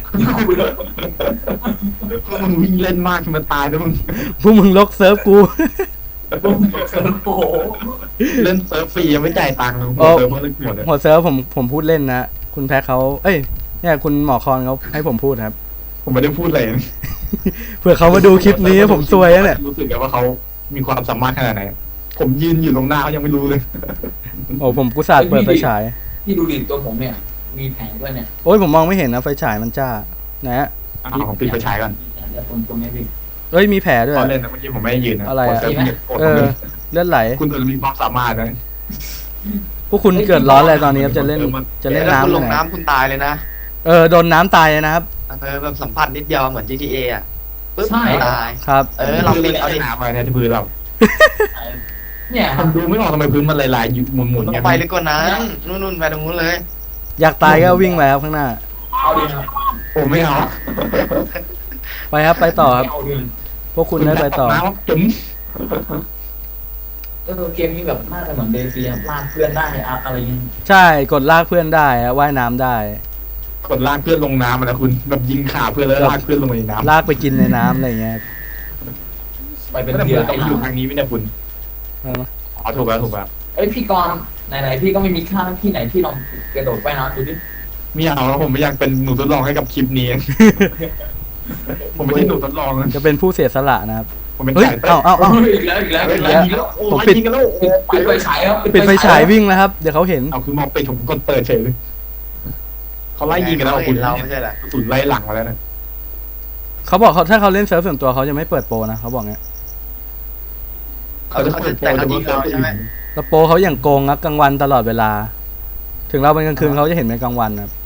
[SPEAKER 2] มึงวิ่งเล่นมากมันตายแล้วมึง
[SPEAKER 1] พวกมึงลกเซิร์ฟกู
[SPEAKER 3] เซิร์ฟโอ้โห
[SPEAKER 2] เล่นเซิร์ฟฟรียังไม่จ่ายตังค์หั
[SPEAKER 1] โอ้
[SPEAKER 2] วเซิร์ฟมันเล่นหมดเลย
[SPEAKER 1] หัวเซิร์ฟผมผมพูดเล่นนะ คุณแพ็คเขาเอ้ยเนี่ยคุณหมอคอนเขาให้ผมพูดครับ
[SPEAKER 2] ผมไม่ได้พูดอะไร
[SPEAKER 1] เผื่อเขามาดูคลิปนี้ผมซวยแล้วเนี่ย
[SPEAKER 2] รู้สึกไงว่าเขามีความสามารถขนาดไหน ผมยืนอยู่ตรงหน้าเขายังไม่รู้เลย
[SPEAKER 1] โอ้ผมกุศาสเปิดไฟฉาย
[SPEAKER 3] พี่ดูดิตัวผมเนี่ย มีแผลด้วยเนี่ย
[SPEAKER 1] โอ้ยผมมองไม่เห็นนะไฟฉายมันจ้าไหนฮะ
[SPEAKER 2] อ้าวผมปิดไฟฉายก่อน
[SPEAKER 3] เดี๋ยวตรงตรงนี้พี่
[SPEAKER 1] เอ้ยมีแผลด้วย
[SPEAKER 2] ตอนเล่นนะเมื่อกี้ผมไม่ได้ยืนนะ
[SPEAKER 1] อะไรอะ
[SPEAKER 2] หัวเซิร์ฟมันกด
[SPEAKER 1] เออเลือดไหล
[SPEAKER 2] คุณตัวมีความสามารถนะ
[SPEAKER 1] พวกคุณเกิดร้อนอะไรตอนนี้ครับจะเล่นจะเล่น
[SPEAKER 5] ถ้าคุณ
[SPEAKER 1] น้ำ
[SPEAKER 5] ล
[SPEAKER 1] ยัง งไง
[SPEAKER 5] น้ำคุณตายเลยนะ
[SPEAKER 1] เออโดนน้ำตายเลยนะครับ
[SPEAKER 5] เออแบบสัมผัสนิดเดียวเหมือน จี ที เอ อ่ะปึ๊บ
[SPEAKER 3] ใช่
[SPEAKER 5] ตาย
[SPEAKER 1] ครับ
[SPEAKER 5] เออเราปิดเอาดิ
[SPEAKER 2] หนาไปเนี่ยที่พื้นเรา
[SPEAKER 3] เนี่ยค
[SPEAKER 2] ผ
[SPEAKER 3] รับ
[SPEAKER 2] มดูไม่ออกทำไมพื้นมันลายๆอยู่หมุนๆ
[SPEAKER 5] ต้อ
[SPEAKER 2] อย่าง
[SPEAKER 5] งไปลึกกว่านั้นนู่นๆไปตรงนู้นเลย
[SPEAKER 1] อยากตายก็วิ่งไปครับข้างหน้า
[SPEAKER 3] เอาดิครับ
[SPEAKER 2] ผมไม่เอา
[SPEAKER 1] ไปครับไปต่อครับ
[SPEAKER 3] เอาดิ
[SPEAKER 1] พวกคุณได้ไปต่อ
[SPEAKER 2] น้ำจุ๋ม
[SPEAKER 3] เออเกมนี้แบบน่าจะเหมือนเดซีครับลากเพื่อนได้อะอะไรเงี้ย
[SPEAKER 1] ใช่กดลากเพื่อนได้ฮะว่ายน้ำได้
[SPEAKER 2] กดลากเพื่อนลงน้ำนะคุณแบบยิงขาเพื่อนแล้วลากเพื่อนลงไปในน้ำ
[SPEAKER 1] ลากไปกินในน้ำอะไรอย่างเงี้ย
[SPEAKER 3] ไปเป็น
[SPEAKER 2] แต่
[SPEAKER 3] เดื
[SPEAKER 2] เพื่
[SPEAKER 3] อ
[SPEAKER 2] อน นต้องอยู่ทางนี้ไม่ได้คุณ
[SPEAKER 1] เออ
[SPEAKER 2] อ๋อถูกแล้วถูกแล้ว
[SPEAKER 3] เอ้ยพี่กรณ์ไหนๆพี่ก็ไม่มีค่าที่ไหนที่ลองกระโดดไปนะดูดิ
[SPEAKER 2] ไม่เอาแล้วผมไม่อยากเป็นหนูทดลองให้กับคลิปนี้ ผมไม่ใช่หนูทดลองนะ
[SPEAKER 1] จะเป็นผู้เสียสละนะครับ
[SPEAKER 2] ผมเป็น
[SPEAKER 1] เฮ้ย
[SPEAKER 2] สายเต้
[SPEAKER 1] เอ้าเอ้าเอ้า
[SPEAKER 3] อีกแล้วอีกแล้ว
[SPEAKER 2] เฮ้ย
[SPEAKER 3] อีกแล้ว
[SPEAKER 2] ยิงแล้วโอ้
[SPEAKER 1] ผม
[SPEAKER 2] ย
[SPEAKER 1] ปิด
[SPEAKER 2] ยิงกันแล้วโอ้
[SPEAKER 3] ปิดไฟฉายครับ
[SPEAKER 1] ปิดไฟฉายวิ่งแล้วครับ เดี๋ยวเขาเห็น
[SPEAKER 2] เอาคือมองไปผมกดเปิดเฉยเลยเขาไล่ยิงกันแล้ว
[SPEAKER 5] เขา
[SPEAKER 2] คุ
[SPEAKER 5] เห็
[SPEAKER 2] ณ
[SPEAKER 5] นเราไม่ใช่เหรอ
[SPEAKER 2] กระสุนไล่หลังมาแล้วนะ
[SPEAKER 1] เขาบอกเขาถ้าเขาเล่นเซิร์ฟส่วนตัวเขาจะไม่เปิดโปรนะเขาบอกเงี้ย
[SPEAKER 5] เขาจะเขาจะแต่เขายิงเราใช่ไหม
[SPEAKER 1] แล้วโปรเขาอย่างโกงครับกลางวันตลอดเวลา ถึงเราเป็นกลางคืนเขาจะเห็นเป็นกลางวันนะครับ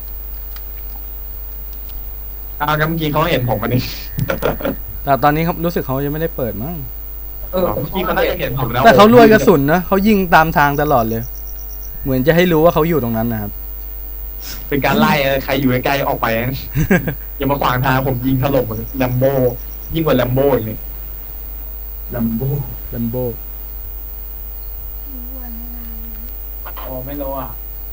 [SPEAKER 2] อ้าวงั้นเมื่อกี้เขาเห็นผมอันนี้
[SPEAKER 1] แต่ตอนนี้เขารู้สึกเขายังไม่ได้เปิดมั้ง
[SPEAKER 3] เออ
[SPEAKER 2] เมื่อกี้เขาน่าจะเห็นผมแล้ว
[SPEAKER 1] แต่เขารวยกระสุนนะเขายิงตามทางตลอดเลย เหมือนจะให้รู้ว่าเขาอยู่ตรงนั้นนะครับ
[SPEAKER 2] เป็นการไล่เออใครอยู่ใกล้ๆออกไปนะอย่ามาขวางทางผมยิงถล่มแลมโบยิ่งกว่าแลมโบอีกเลย
[SPEAKER 3] ลัมโบ
[SPEAKER 1] ลัมโบ
[SPEAKER 4] โอ้ไม่รู้อ่ะ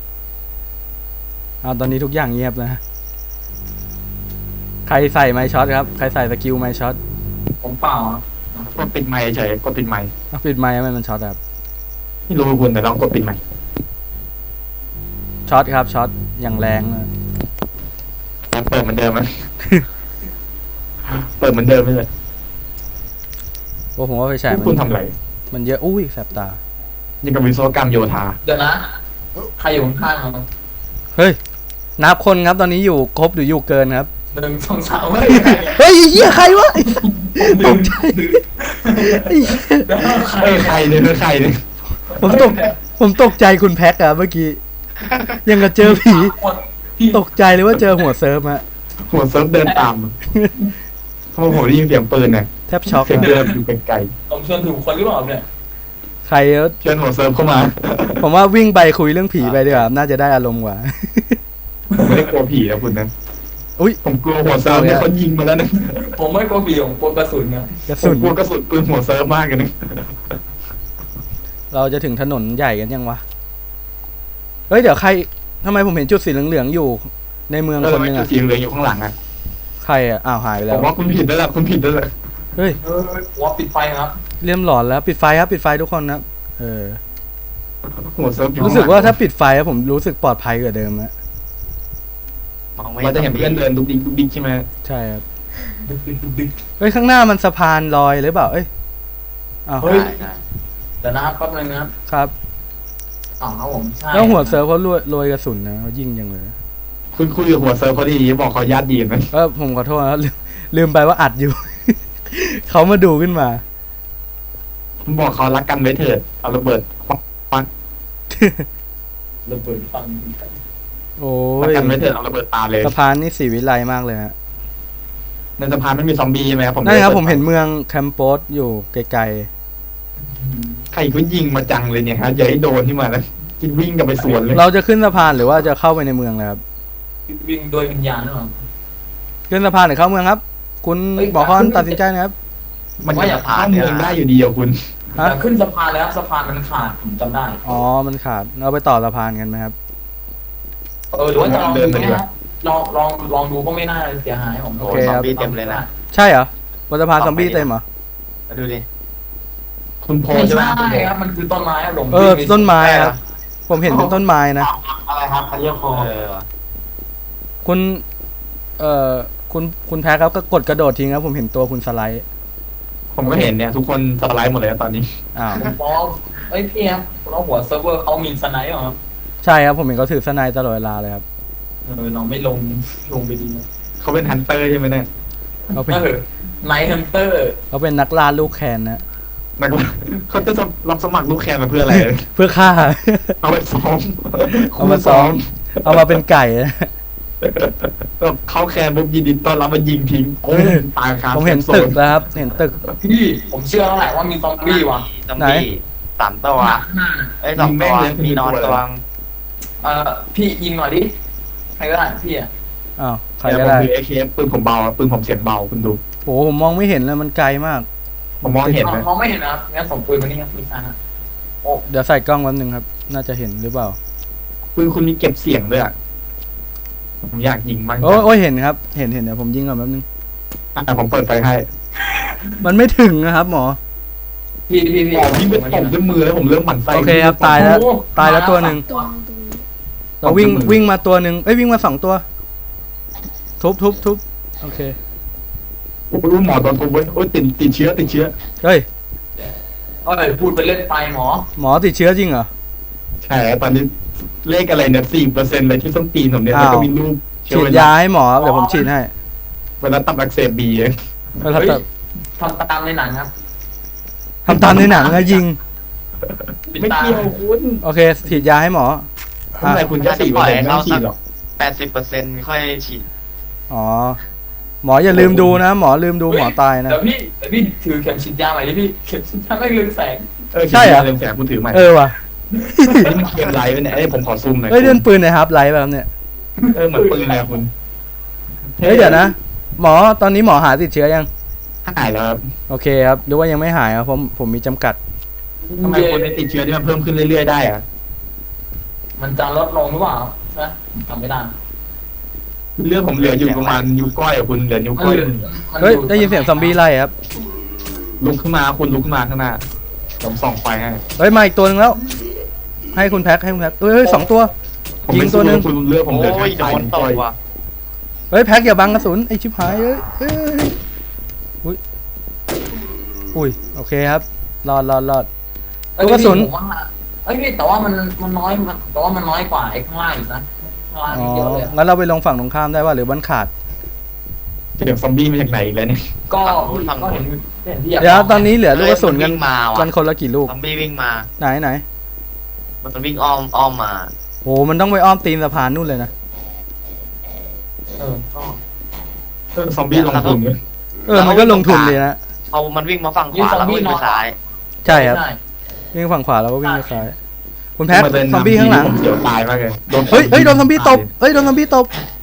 [SPEAKER 1] เอาตอนนี้ทุกอย่างเงียบนะ ใครใส่ไมค์ช็อตครับ ใครใส่สกิลไมค์ช็อต
[SPEAKER 3] ผมเปล่าอะ
[SPEAKER 2] กดปิดไมค์เฉยกดปิดไมค์
[SPEAKER 1] เอาปิดไมค์ให้มันช็อตครับ
[SPEAKER 2] ไม่รู้คุณแต่ลองกดปิดไมค์
[SPEAKER 1] ช็อตครับช็อตอย่างแรงเลย
[SPEAKER 2] ยังเปิดเหมือนเดิมไหม เปิดเหมือนเดิมไม่เลย
[SPEAKER 1] โอ้ผมว่าไฟฉายมัน
[SPEAKER 2] คุณทำอะไร
[SPEAKER 1] มันเยอะอุ้ยแสบตา
[SPEAKER 2] นี่กับวิศวกรรมโยธา
[SPEAKER 3] เดี๋ยวนะ ใครอยู่ข้างๆเรา
[SPEAKER 1] เฮ้ย นับคนครับตอนนี้อยู่ครบหรืออยู่เกินครับ
[SPEAKER 3] หนึ่งสองสามเฮ้ย
[SPEAKER 1] เฮ้ยเหี้ยใครวะตกใจไอ้เหี้ย
[SPEAKER 2] เอ้ยใครเนี่ยคือใครเนี่ย
[SPEAKER 1] ผมตกผมตกใจคุณแพ็กอะเมื่อกี้ ยังกับเจอผี
[SPEAKER 3] พี่
[SPEAKER 1] ตกใจเลยว่าเจอหัวเซิร์ฟอะ
[SPEAKER 2] หัวเซิร์ฟเดินตามเพราะผมได้ยินเสียงปืนเนี่ย
[SPEAKER 1] แทบช็อก
[SPEAKER 2] เสียง
[SPEAKER 1] อะ
[SPEAKER 2] เดินอยู่ไกล
[SPEAKER 3] ผมชวนถูกคนหรือเปล่าเนี่ย
[SPEAKER 1] ใครเอ้ย
[SPEAKER 2] ๆเชิญหัวเซิร์ฟเข้ามา
[SPEAKER 1] ผมว่าวิ่งไปคุยเรื่องผีไปดีกว่าน่าจะได้อารมณ์กว่า
[SPEAKER 2] ผมไม่ได้กลัวผีนะคุณนะ
[SPEAKER 1] อุ้ย
[SPEAKER 2] ผมกลัวหัวเซิร์ฟเนี่ยเขายิงมาแล้วนะ
[SPEAKER 3] ผมไม่กลัวผีผมกลัวกระสุนนะ
[SPEAKER 1] กระ
[SPEAKER 2] ผ
[SPEAKER 1] สุ
[SPEAKER 2] ม
[SPEAKER 1] น
[SPEAKER 2] กลัวกระสุนปืนหัวเซิร์ฟมากเลยนะ
[SPEAKER 1] เราจะถึงถนนใหญ่กันยังวะ เฮ้ยเดี๋ยวใครทำไมผมเห็นจุดสีเหลืองๆอยู่ ในเมือง
[SPEAKER 2] แล้ว
[SPEAKER 1] ค
[SPEAKER 2] ทำ
[SPEAKER 1] น
[SPEAKER 2] ไม
[SPEAKER 1] หนึง
[SPEAKER 2] จุด
[SPEAKER 1] อะ
[SPEAKER 2] สีเหลืองอยู่ข้างหลังอ่ะ
[SPEAKER 1] ใครอะอ้าวหายไป
[SPEAKER 2] ผ
[SPEAKER 1] แล้ว
[SPEAKER 2] มว่าคุณผิดแล้วล่ะคุณผิดแล้วล่ะ
[SPEAKER 1] เฮ้ย
[SPEAKER 3] เออหัวปิดไฟครับ
[SPEAKER 1] เริ่มหลอนแล้วปิดไฟครับปิดไฟทุกคนนะเออ
[SPEAKER 2] หัวเซิร์ฟอยู่
[SPEAKER 1] รู้สึกว่าถ้าปิดไฟอะผมรู้สึกปลอดภัยกว่าเดิมอะ
[SPEAKER 5] มองไม่
[SPEAKER 2] เราจะเห็นเพื่อนเดินดุกดิกดุกดิกใช่ไหม
[SPEAKER 1] ใช่ครับ
[SPEAKER 3] ดึกดึกดึกดึก
[SPEAKER 1] เฮ้ยข้างหน้ามันสะพานลอยหรือเปล่าเอ้ยอ้าว
[SPEAKER 3] เฮ้ย
[SPEAKER 5] ใช่ใช่
[SPEAKER 3] เดี๋ยวนะครับแป๊บนึงนะครับ
[SPEAKER 1] ครับ
[SPEAKER 3] อ๋อครับผมใช่
[SPEAKER 1] แล้วหัวเซิร์ฟเขาโรยโรยกระสุนนะเขายิงยังเลย
[SPEAKER 2] คุณคุยกับหัวเซิร์ฟเขาดีบอกเขาญาติดีไหม
[SPEAKER 1] เออผมขอโทษนะลืมลืมไปว่าอัดอยู่ เขามาดูขึ้นมา
[SPEAKER 2] ผมบอกเขารักกันไว้เถิดเอาระเบิดปัง
[SPEAKER 3] ระเบิดฟัง
[SPEAKER 1] โอ้
[SPEAKER 2] รัก
[SPEAKER 1] ย
[SPEAKER 2] กันไว้เถิดเอาระเบิดตาเลย
[SPEAKER 1] สะพานนี่สีวิไลมากเลยฮะ
[SPEAKER 2] ในสะพานไม่มีซอมบี้ใช่ไหมครับผม
[SPEAKER 1] นั่นครับผมเห็นเมืองแคมโปสอยู่ไกล
[SPEAKER 2] ใครก็ยิงมาจังเลยเนี่ยฮะอย่าให้โดนที่มานะคิดวิ่งกลับไปสวนเลย
[SPEAKER 1] ๆ เราจะขึ้นสะพานหรือว่าจะเข้าไปในเมืองเลยครับ
[SPEAKER 3] วิ่งโดยวิญญาณหรือเปล่า
[SPEAKER 1] ขึ้นสะพานหรือเข้าเมืองครับ คุณ
[SPEAKER 3] เฮ้ย
[SPEAKER 1] บอกคอนตัดสินใจนะครับ
[SPEAKER 2] มันก็อย่าผ่านเมืองได้อยู่ดีอ่ะคุณ
[SPEAKER 1] ฮะ
[SPEAKER 3] แต่ขึ้นสะพานแล้วสะพานมันขาดผมจำได้
[SPEAKER 1] อ๋อมันขาดเราไปต่อสะพานกันไหมครับ
[SPEAKER 3] เออหรือว่าจะลองดูไหมฮะลองลองลองดูก็ไม่น่าเสียหายผม
[SPEAKER 5] โอ้
[SPEAKER 1] โอเค
[SPEAKER 5] ซอ
[SPEAKER 1] ค
[SPEAKER 5] ม
[SPEAKER 1] รับ
[SPEAKER 5] บี้เต็มเลยนะ
[SPEAKER 1] ใช่เหรอบนสะพานซอมบี้เต็มเหรอ
[SPEAKER 5] มาดูดิ
[SPEAKER 2] คุณโพ
[SPEAKER 3] ไม่
[SPEAKER 2] ใช่ไหม
[SPEAKER 3] ใช่ครับมันคือต้นไม้ครับผม
[SPEAKER 1] เออ
[SPEAKER 3] วิ่ง
[SPEAKER 1] ต้นไม้
[SPEAKER 5] ใช่เห
[SPEAKER 1] ค
[SPEAKER 5] รอ
[SPEAKER 1] รับ ผมเห็นเป็นต้นไม้นะ
[SPEAKER 4] อะไรครับเขาเรียกโค
[SPEAKER 5] เออว่ะ
[SPEAKER 1] คุณ เอ่อ คุณ คุณแพ้ครับก็กดกระโดดทิ้งครับ ผมเห็นตัวคุณสไลด์
[SPEAKER 2] ผมก็เห็นเนี่ยทุกคนสไลด์หมดเลยตอนนี้
[SPEAKER 1] อ้าว
[SPEAKER 3] ผมบอกเอ้ยพี่ครับเราหัวเซิร์ฟเวอร์เขามีสไนป์เหรอครับ
[SPEAKER 1] ใช่ครับ ผมเห็นเขาถือสไนด์ตลอดเวลาเลยครับ
[SPEAKER 3] เออเราไม่ลงลงไปดีนะ
[SPEAKER 2] เขาเป็นฮันเตอร์ใช่ไหมเนี่ย
[SPEAKER 1] เขาเป็น
[SPEAKER 3] เออไนท์ฮันเตอร์
[SPEAKER 1] เขาเป็นนักล่าลูกแคนนะ
[SPEAKER 2] นักเขาจะรับสมัครลูกแคนมาเพื่ออะไร
[SPEAKER 1] เพื่อฆ่า
[SPEAKER 2] เอาไปซ้อม
[SPEAKER 1] เอามาซ้อม เอามาเป็นไก่นะ
[SPEAKER 2] แบบเข้าแคนปุ๊บยินดีต้อนรับมายิงทิ้งโอ้ยตายครับ
[SPEAKER 1] ผมเห็นตึกแล้วครับ เห็นตึก
[SPEAKER 3] พี่ผมเชื่อแล้วแหละว่ามีซอมบี้ว่ะ
[SPEAKER 5] ซอม
[SPEAKER 1] ไหน
[SPEAKER 5] บี้สามตัว
[SPEAKER 3] หน้าน่ะ
[SPEAKER 5] เอ้ยสองตัวมีนอนตัว
[SPEAKER 3] เออพี่ยิงหน่อยดิใครก็ได้พี่อ่ะ
[SPEAKER 1] อ้าว ใคร
[SPEAKER 2] แต่
[SPEAKER 1] ก็
[SPEAKER 2] ผม
[SPEAKER 1] ได้
[SPEAKER 2] คือเอเคปืนผมเบาปืนผมเสียงเบาคุณดู
[SPEAKER 1] โอ้ผมมองไม่เห็นเลยมันไกลมาก
[SPEAKER 2] ผมมองเห็นไหม
[SPEAKER 3] มองไม่เห็นนะครับงั้นส่งปืนมานี่ครับพี่ชายฮะโอ้
[SPEAKER 1] เดี๋ยวใส่กล้องแป๊บนึงครับ น่าจะเห็นหรือเปล่า
[SPEAKER 2] ปืนคุณมีเก็บเสียงด้วยอ่ะผมอยากยิงมาก
[SPEAKER 1] โอ้ยโอ้ยเห็นครับ เห็นเห็นเดี๋ยวผมยิงก่อนแป๊บนึง
[SPEAKER 2] อ่ะผมเปิดไฟให้
[SPEAKER 1] มันไม่ถึงนะครับหมอ
[SPEAKER 3] พี่พี่พี่
[SPEAKER 2] อ๋อพี่ไปตบด้วยมือแล้วผมเริ่มหมั่นไส้
[SPEAKER 1] โอเคครับ ตายแล้ว
[SPEAKER 3] โอ้
[SPEAKER 1] ตายแล้วตัวหนึ่ง
[SPEAKER 6] ตรงตรง
[SPEAKER 1] เราวิ่งวิ่งมาตัวหนึ่งเอ้ยวิ่งมาสองตัว ทุบทุบทุบโอเค
[SPEAKER 2] โอ้ยหมอตอนทุบเว้ยโอ้ยติดติดเชื้อติดเชื้อ
[SPEAKER 1] เฮ้ย
[SPEAKER 3] เอ้ยพูดไปเล่นไปหมอ
[SPEAKER 1] หมอติดเชื้อจริงเหรอ
[SPEAKER 2] ใช่ตอนนี้เลขอะไรเนี่ยสี่เปอร์เซ็นต์เลยที่ส้นตีนผมเนี่ย
[SPEAKER 1] อ้าว
[SPEAKER 2] แล้วก็มีรูปเชื้
[SPEAKER 1] ฉี
[SPEAKER 2] อ
[SPEAKER 1] ด
[SPEAKER 2] ไวรั
[SPEAKER 1] ยา
[SPEAKER 2] ส
[SPEAKER 1] ให้หมอครับเดี๋ยวผมฉีดให้
[SPEAKER 2] ไวรัสตับอักเสบบีเอง
[SPEAKER 1] แล้ว
[SPEAKER 3] เฮ้ย
[SPEAKER 1] ทำ
[SPEAKER 3] ทำตามในหนังครับ
[SPEAKER 1] ทำตามในหนังนะยิง
[SPEAKER 3] ปิด
[SPEAKER 2] ไม่
[SPEAKER 3] ตา
[SPEAKER 2] เกี่ยวคุณ
[SPEAKER 1] โอเคฉีดยาให้หมอ
[SPEAKER 2] ทำไมคุณแค่สี่เปอร์เซ็นต์ไม่ต้องฉีดหรอก
[SPEAKER 5] แปดสิบเปอร์เซ็นต์ค่อยฉีด
[SPEAKER 1] อ๋อหมออย่าลืมดูนะ หมอลืมดูหมอตายนะ
[SPEAKER 3] เดี๋ยวพี่เดี๋ยวพี่ถือเข็มฉีดยาใหม่ดิพี่เข็มฉีดยาไม่เรืองแสง
[SPEAKER 2] เออ
[SPEAKER 1] ใช่เหรอ
[SPEAKER 2] เรื่องแสงคุณถือใหม่
[SPEAKER 1] เออว่ะ
[SPEAKER 2] เฮ้ยมันเกมไรวะเนี่ยเอ้ยผมขอซูมหน่อย
[SPEAKER 1] เฮ้ยเล่นปืนในฮาร์ปไลท์แบบเนี่ย
[SPEAKER 2] เออเหมือนปืนเลยอะคุณ
[SPEAKER 1] เฮ้ยเดี๋ยวนะ หมอตอนนี้หมอหาติดเชื้อยัง
[SPEAKER 2] หายแล้วครับ
[SPEAKER 1] โอเคครับหรือว่ายังไม่หายครับผมผมมีจำกัด
[SPEAKER 2] ทำไมคนที่ติดเชื้อที่มันเพิ่มขึ้นเรื่อยๆได้อะ
[SPEAKER 3] มันจะลดลงหรือเปล่าใช่ไหมจำไม่ได้
[SPEAKER 2] เรื่องผมเหลืออยู่ประมาณนิ้วก้อยอะคุณเหลือนิ้วก้อย
[SPEAKER 1] เฮ้ยได้ยินเสียงซอมบี้ไล่ครับ
[SPEAKER 2] ลุกขึ้นมาคุณลุกขึ้นมาข้างหน้าผมส่องไฟให้
[SPEAKER 1] เฮ้ยมาอีกตัวหนึงแล้ว ให้คุณแพ็คให้คุณแพ็คเฮ้ยเฮ้ยสองตัว
[SPEAKER 2] ผมไม่
[SPEAKER 1] ยิงตั
[SPEAKER 2] สู้
[SPEAKER 1] วหนึ่ง
[SPEAKER 2] คุณเลือกผมเหลือ
[SPEAKER 5] โอ้
[SPEAKER 2] แค่
[SPEAKER 5] ยโด
[SPEAKER 2] ไฟ
[SPEAKER 5] น
[SPEAKER 2] นิ้ว
[SPEAKER 5] ต
[SPEAKER 2] ก้
[SPEAKER 5] ก
[SPEAKER 2] อย
[SPEAKER 5] ว่ะ
[SPEAKER 1] เฮ้ยแพ็คอย่าบังกระสุนไอชิบหายเอ้ยเฮ้ยอุ้ยอุ้ยโอเคครับรอดรอดรอด
[SPEAKER 3] เอ้ย
[SPEAKER 1] ลูกกระสุน
[SPEAKER 3] ผมว่าเอ้ยพี่แต่ว่ามันมันน้อยมันแต่ว่ามันน้อยกว่าไอ้ข้างล่างอีกนะข้างล่าง
[SPEAKER 1] อ๋อ
[SPEAKER 3] เยอะเลยอะ
[SPEAKER 1] งั้นเราไปลงฝั่งตรงข้ามได้ว่าหรือบ้านขาด
[SPEAKER 2] เสียงซอมบี้มาจากไหนอีกแล้วเนี่ย
[SPEAKER 3] ก็ก็เห็นเห็นที่
[SPEAKER 1] เดี๋ยวตอนนี้เหลือลูกกระสุนกัน
[SPEAKER 5] เฮ้ยมัวิ่งมาว่ะ
[SPEAKER 1] กันคนละกี่ลูก
[SPEAKER 5] ซอมบี้วิ่งมา
[SPEAKER 1] ไหนไหน
[SPEAKER 5] มันวิ่งอ้อมอ้อมมา
[SPEAKER 1] โอ้มันต้องไปอ้อมตีนสะพานนู่นเลยนะ
[SPEAKER 3] เออก็
[SPEAKER 2] เออซอมบี้ลงทุนเลย
[SPEAKER 1] เออมันก็ลงทุนเลยนะ
[SPEAKER 5] เอามันวิ่งมาฝั่งขวาแล้วก็วิ่งไปซ้าย
[SPEAKER 1] ใช่ครับ
[SPEAKER 3] ใช่
[SPEAKER 1] วิ่งฝั่งขวาแล้วก็วิ่งไปซ้ายคุณแพ็ค
[SPEAKER 2] มาเดิน
[SPEAKER 1] ซอมบี้ข้างหลัง
[SPEAKER 2] ผมเสียวตายมากเลยโดน
[SPEAKER 1] เฮ้ยเฮ้ยโดนซอมบี้ตบเฮ้ยโดนซอมบี้ตบ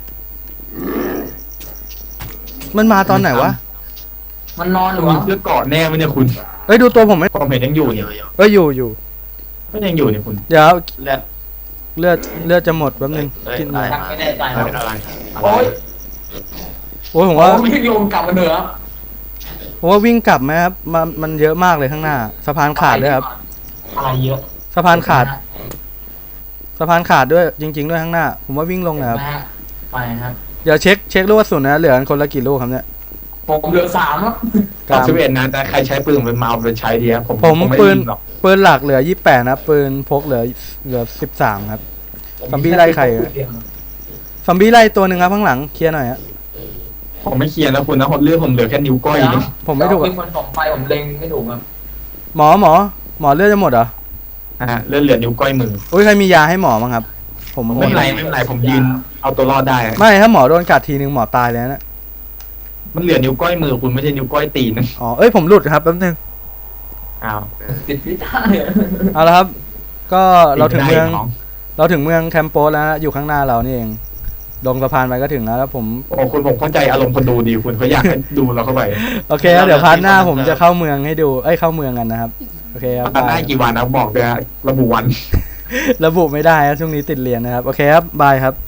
[SPEAKER 1] มันมาตอนไหนวะ
[SPEAKER 3] มันนอนหรือ
[SPEAKER 2] มี
[SPEAKER 3] วะ
[SPEAKER 2] เสื้อเกราะแน่ไหมเนี่ยคุณ
[SPEAKER 1] เฮ้ยดูตัวผมไหม
[SPEAKER 2] ผมเห็นยังอยู่
[SPEAKER 5] อ
[SPEAKER 2] เนี่ย
[SPEAKER 5] ยู่อยู่
[SPEAKER 1] เฮ้ยอยู่อยู่
[SPEAKER 2] ก็ยังอยู่เนี่ยคุณ
[SPEAKER 1] เดี๋ยว
[SPEAKER 5] เลือด
[SPEAKER 1] เลือดเลือดจะหมดแป๊บนึง
[SPEAKER 5] เอ้ย
[SPEAKER 1] กินหน่อย
[SPEAKER 3] ยังไม่แน่ใจ
[SPEAKER 2] อะไร
[SPEAKER 3] ครับ
[SPEAKER 2] อะไร
[SPEAKER 3] โอ้ย
[SPEAKER 1] โอ้ยผม
[SPEAKER 3] ว่า
[SPEAKER 1] ว่า
[SPEAKER 3] วิ่งลงกลับมาเหนือ
[SPEAKER 1] ผมว่าวิ่งกลับไหมครับมันมันเยอะมากเลยข้างหน้าสะพานขาดด้วยครับ
[SPEAKER 4] อะไรเยอะ
[SPEAKER 1] สะพานขาดสะพานขาดด้วยจริง ๆ ด้วยข้างหน้า ผมว่าวิ่งลงนะครับ
[SPEAKER 3] นะฮะไปครับ
[SPEAKER 1] เดี๋ยวเช็คเช็คลูกกระสุนนะเหลือกันคนละกี่ลูกครับเนี่ย
[SPEAKER 3] ผมเหลือสามแล้ว
[SPEAKER 1] กลาง
[SPEAKER 2] สิบเอ็ดนะแต่ใครใช้ปืนเป็นมาเอาไปใช้ดีครับผม
[SPEAKER 1] ผม
[SPEAKER 2] ไ
[SPEAKER 1] ปืน
[SPEAKER 2] ยิงหรอก
[SPEAKER 1] ปืนหลักเหลือยี่สิบแปดนะปืนพกเหลือเหลือสิบสามครับ ซอมบี้ไล่ใครอะ ซอมบี้ไล่ตัวหนึ่งครับข้างหลังเคลียร์หน่อยฮะ
[SPEAKER 2] ผมไม่เคลียร์แล้วคุณนะผมเลือกผมเหลือแค่นิ้วก้อย
[SPEAKER 3] เดี๋ยว
[SPEAKER 2] เนี่ย
[SPEAKER 1] ผมไม่ถูก
[SPEAKER 3] เป็
[SPEAKER 1] อะ
[SPEAKER 3] นคนส่องไฟผมเล็งไม่ถูกครับ
[SPEAKER 1] หมอหมอหมอเลือดจะหมดเหรอ
[SPEAKER 2] อ่ะเลือดเหลือนิ้วก้อยมือ
[SPEAKER 1] อุ้ยใครมียาให้หมอมั้งครับ ผม
[SPEAKER 2] ไม่เป็นไรไม่เป็นไรผมยืนเอาตัวรอดได้อะ
[SPEAKER 1] ไม่ถ้าหมอโดนกัดทีนึงหมอตายเลยนะ
[SPEAKER 2] มันเหลือนิ้วก้อยมือคุณไม่ใช่นิ้วก้อยตีนนะ
[SPEAKER 1] อ๋อเอ้ยผมหลุดครับแป๊บนึง
[SPEAKER 2] อ้าว
[SPEAKER 3] ติดพิษได้
[SPEAKER 1] เอาละครับ ก็เราถึงเมือง
[SPEAKER 2] ได้น้
[SPEAKER 1] เราถึงเมืองแคมโปสแล้วนะอยู่ข้างหน้าเรานี่เองลงสะพานไปก็ถึงแล้วแล้วผม
[SPEAKER 2] โอ้คุณผมเข้าใจอารมณ์คนดูดีคุณเขาอยากให้ดูเราเข้าไป
[SPEAKER 1] โอเคครับเดี๋ยวพาร์ทหน้าผมจะเข้าเมืองให้ดูเอ้ยเข้าเมืองกันนะครับโอเคครับ
[SPEAKER 2] ตอนหน้า
[SPEAKER 1] บาย
[SPEAKER 2] กี่วันนะบอกเลยฮะระบุวัน
[SPEAKER 1] ระบุไม่ได้ครับช่วงนี้ติดเรียนนะครับโอเคครับบายครับ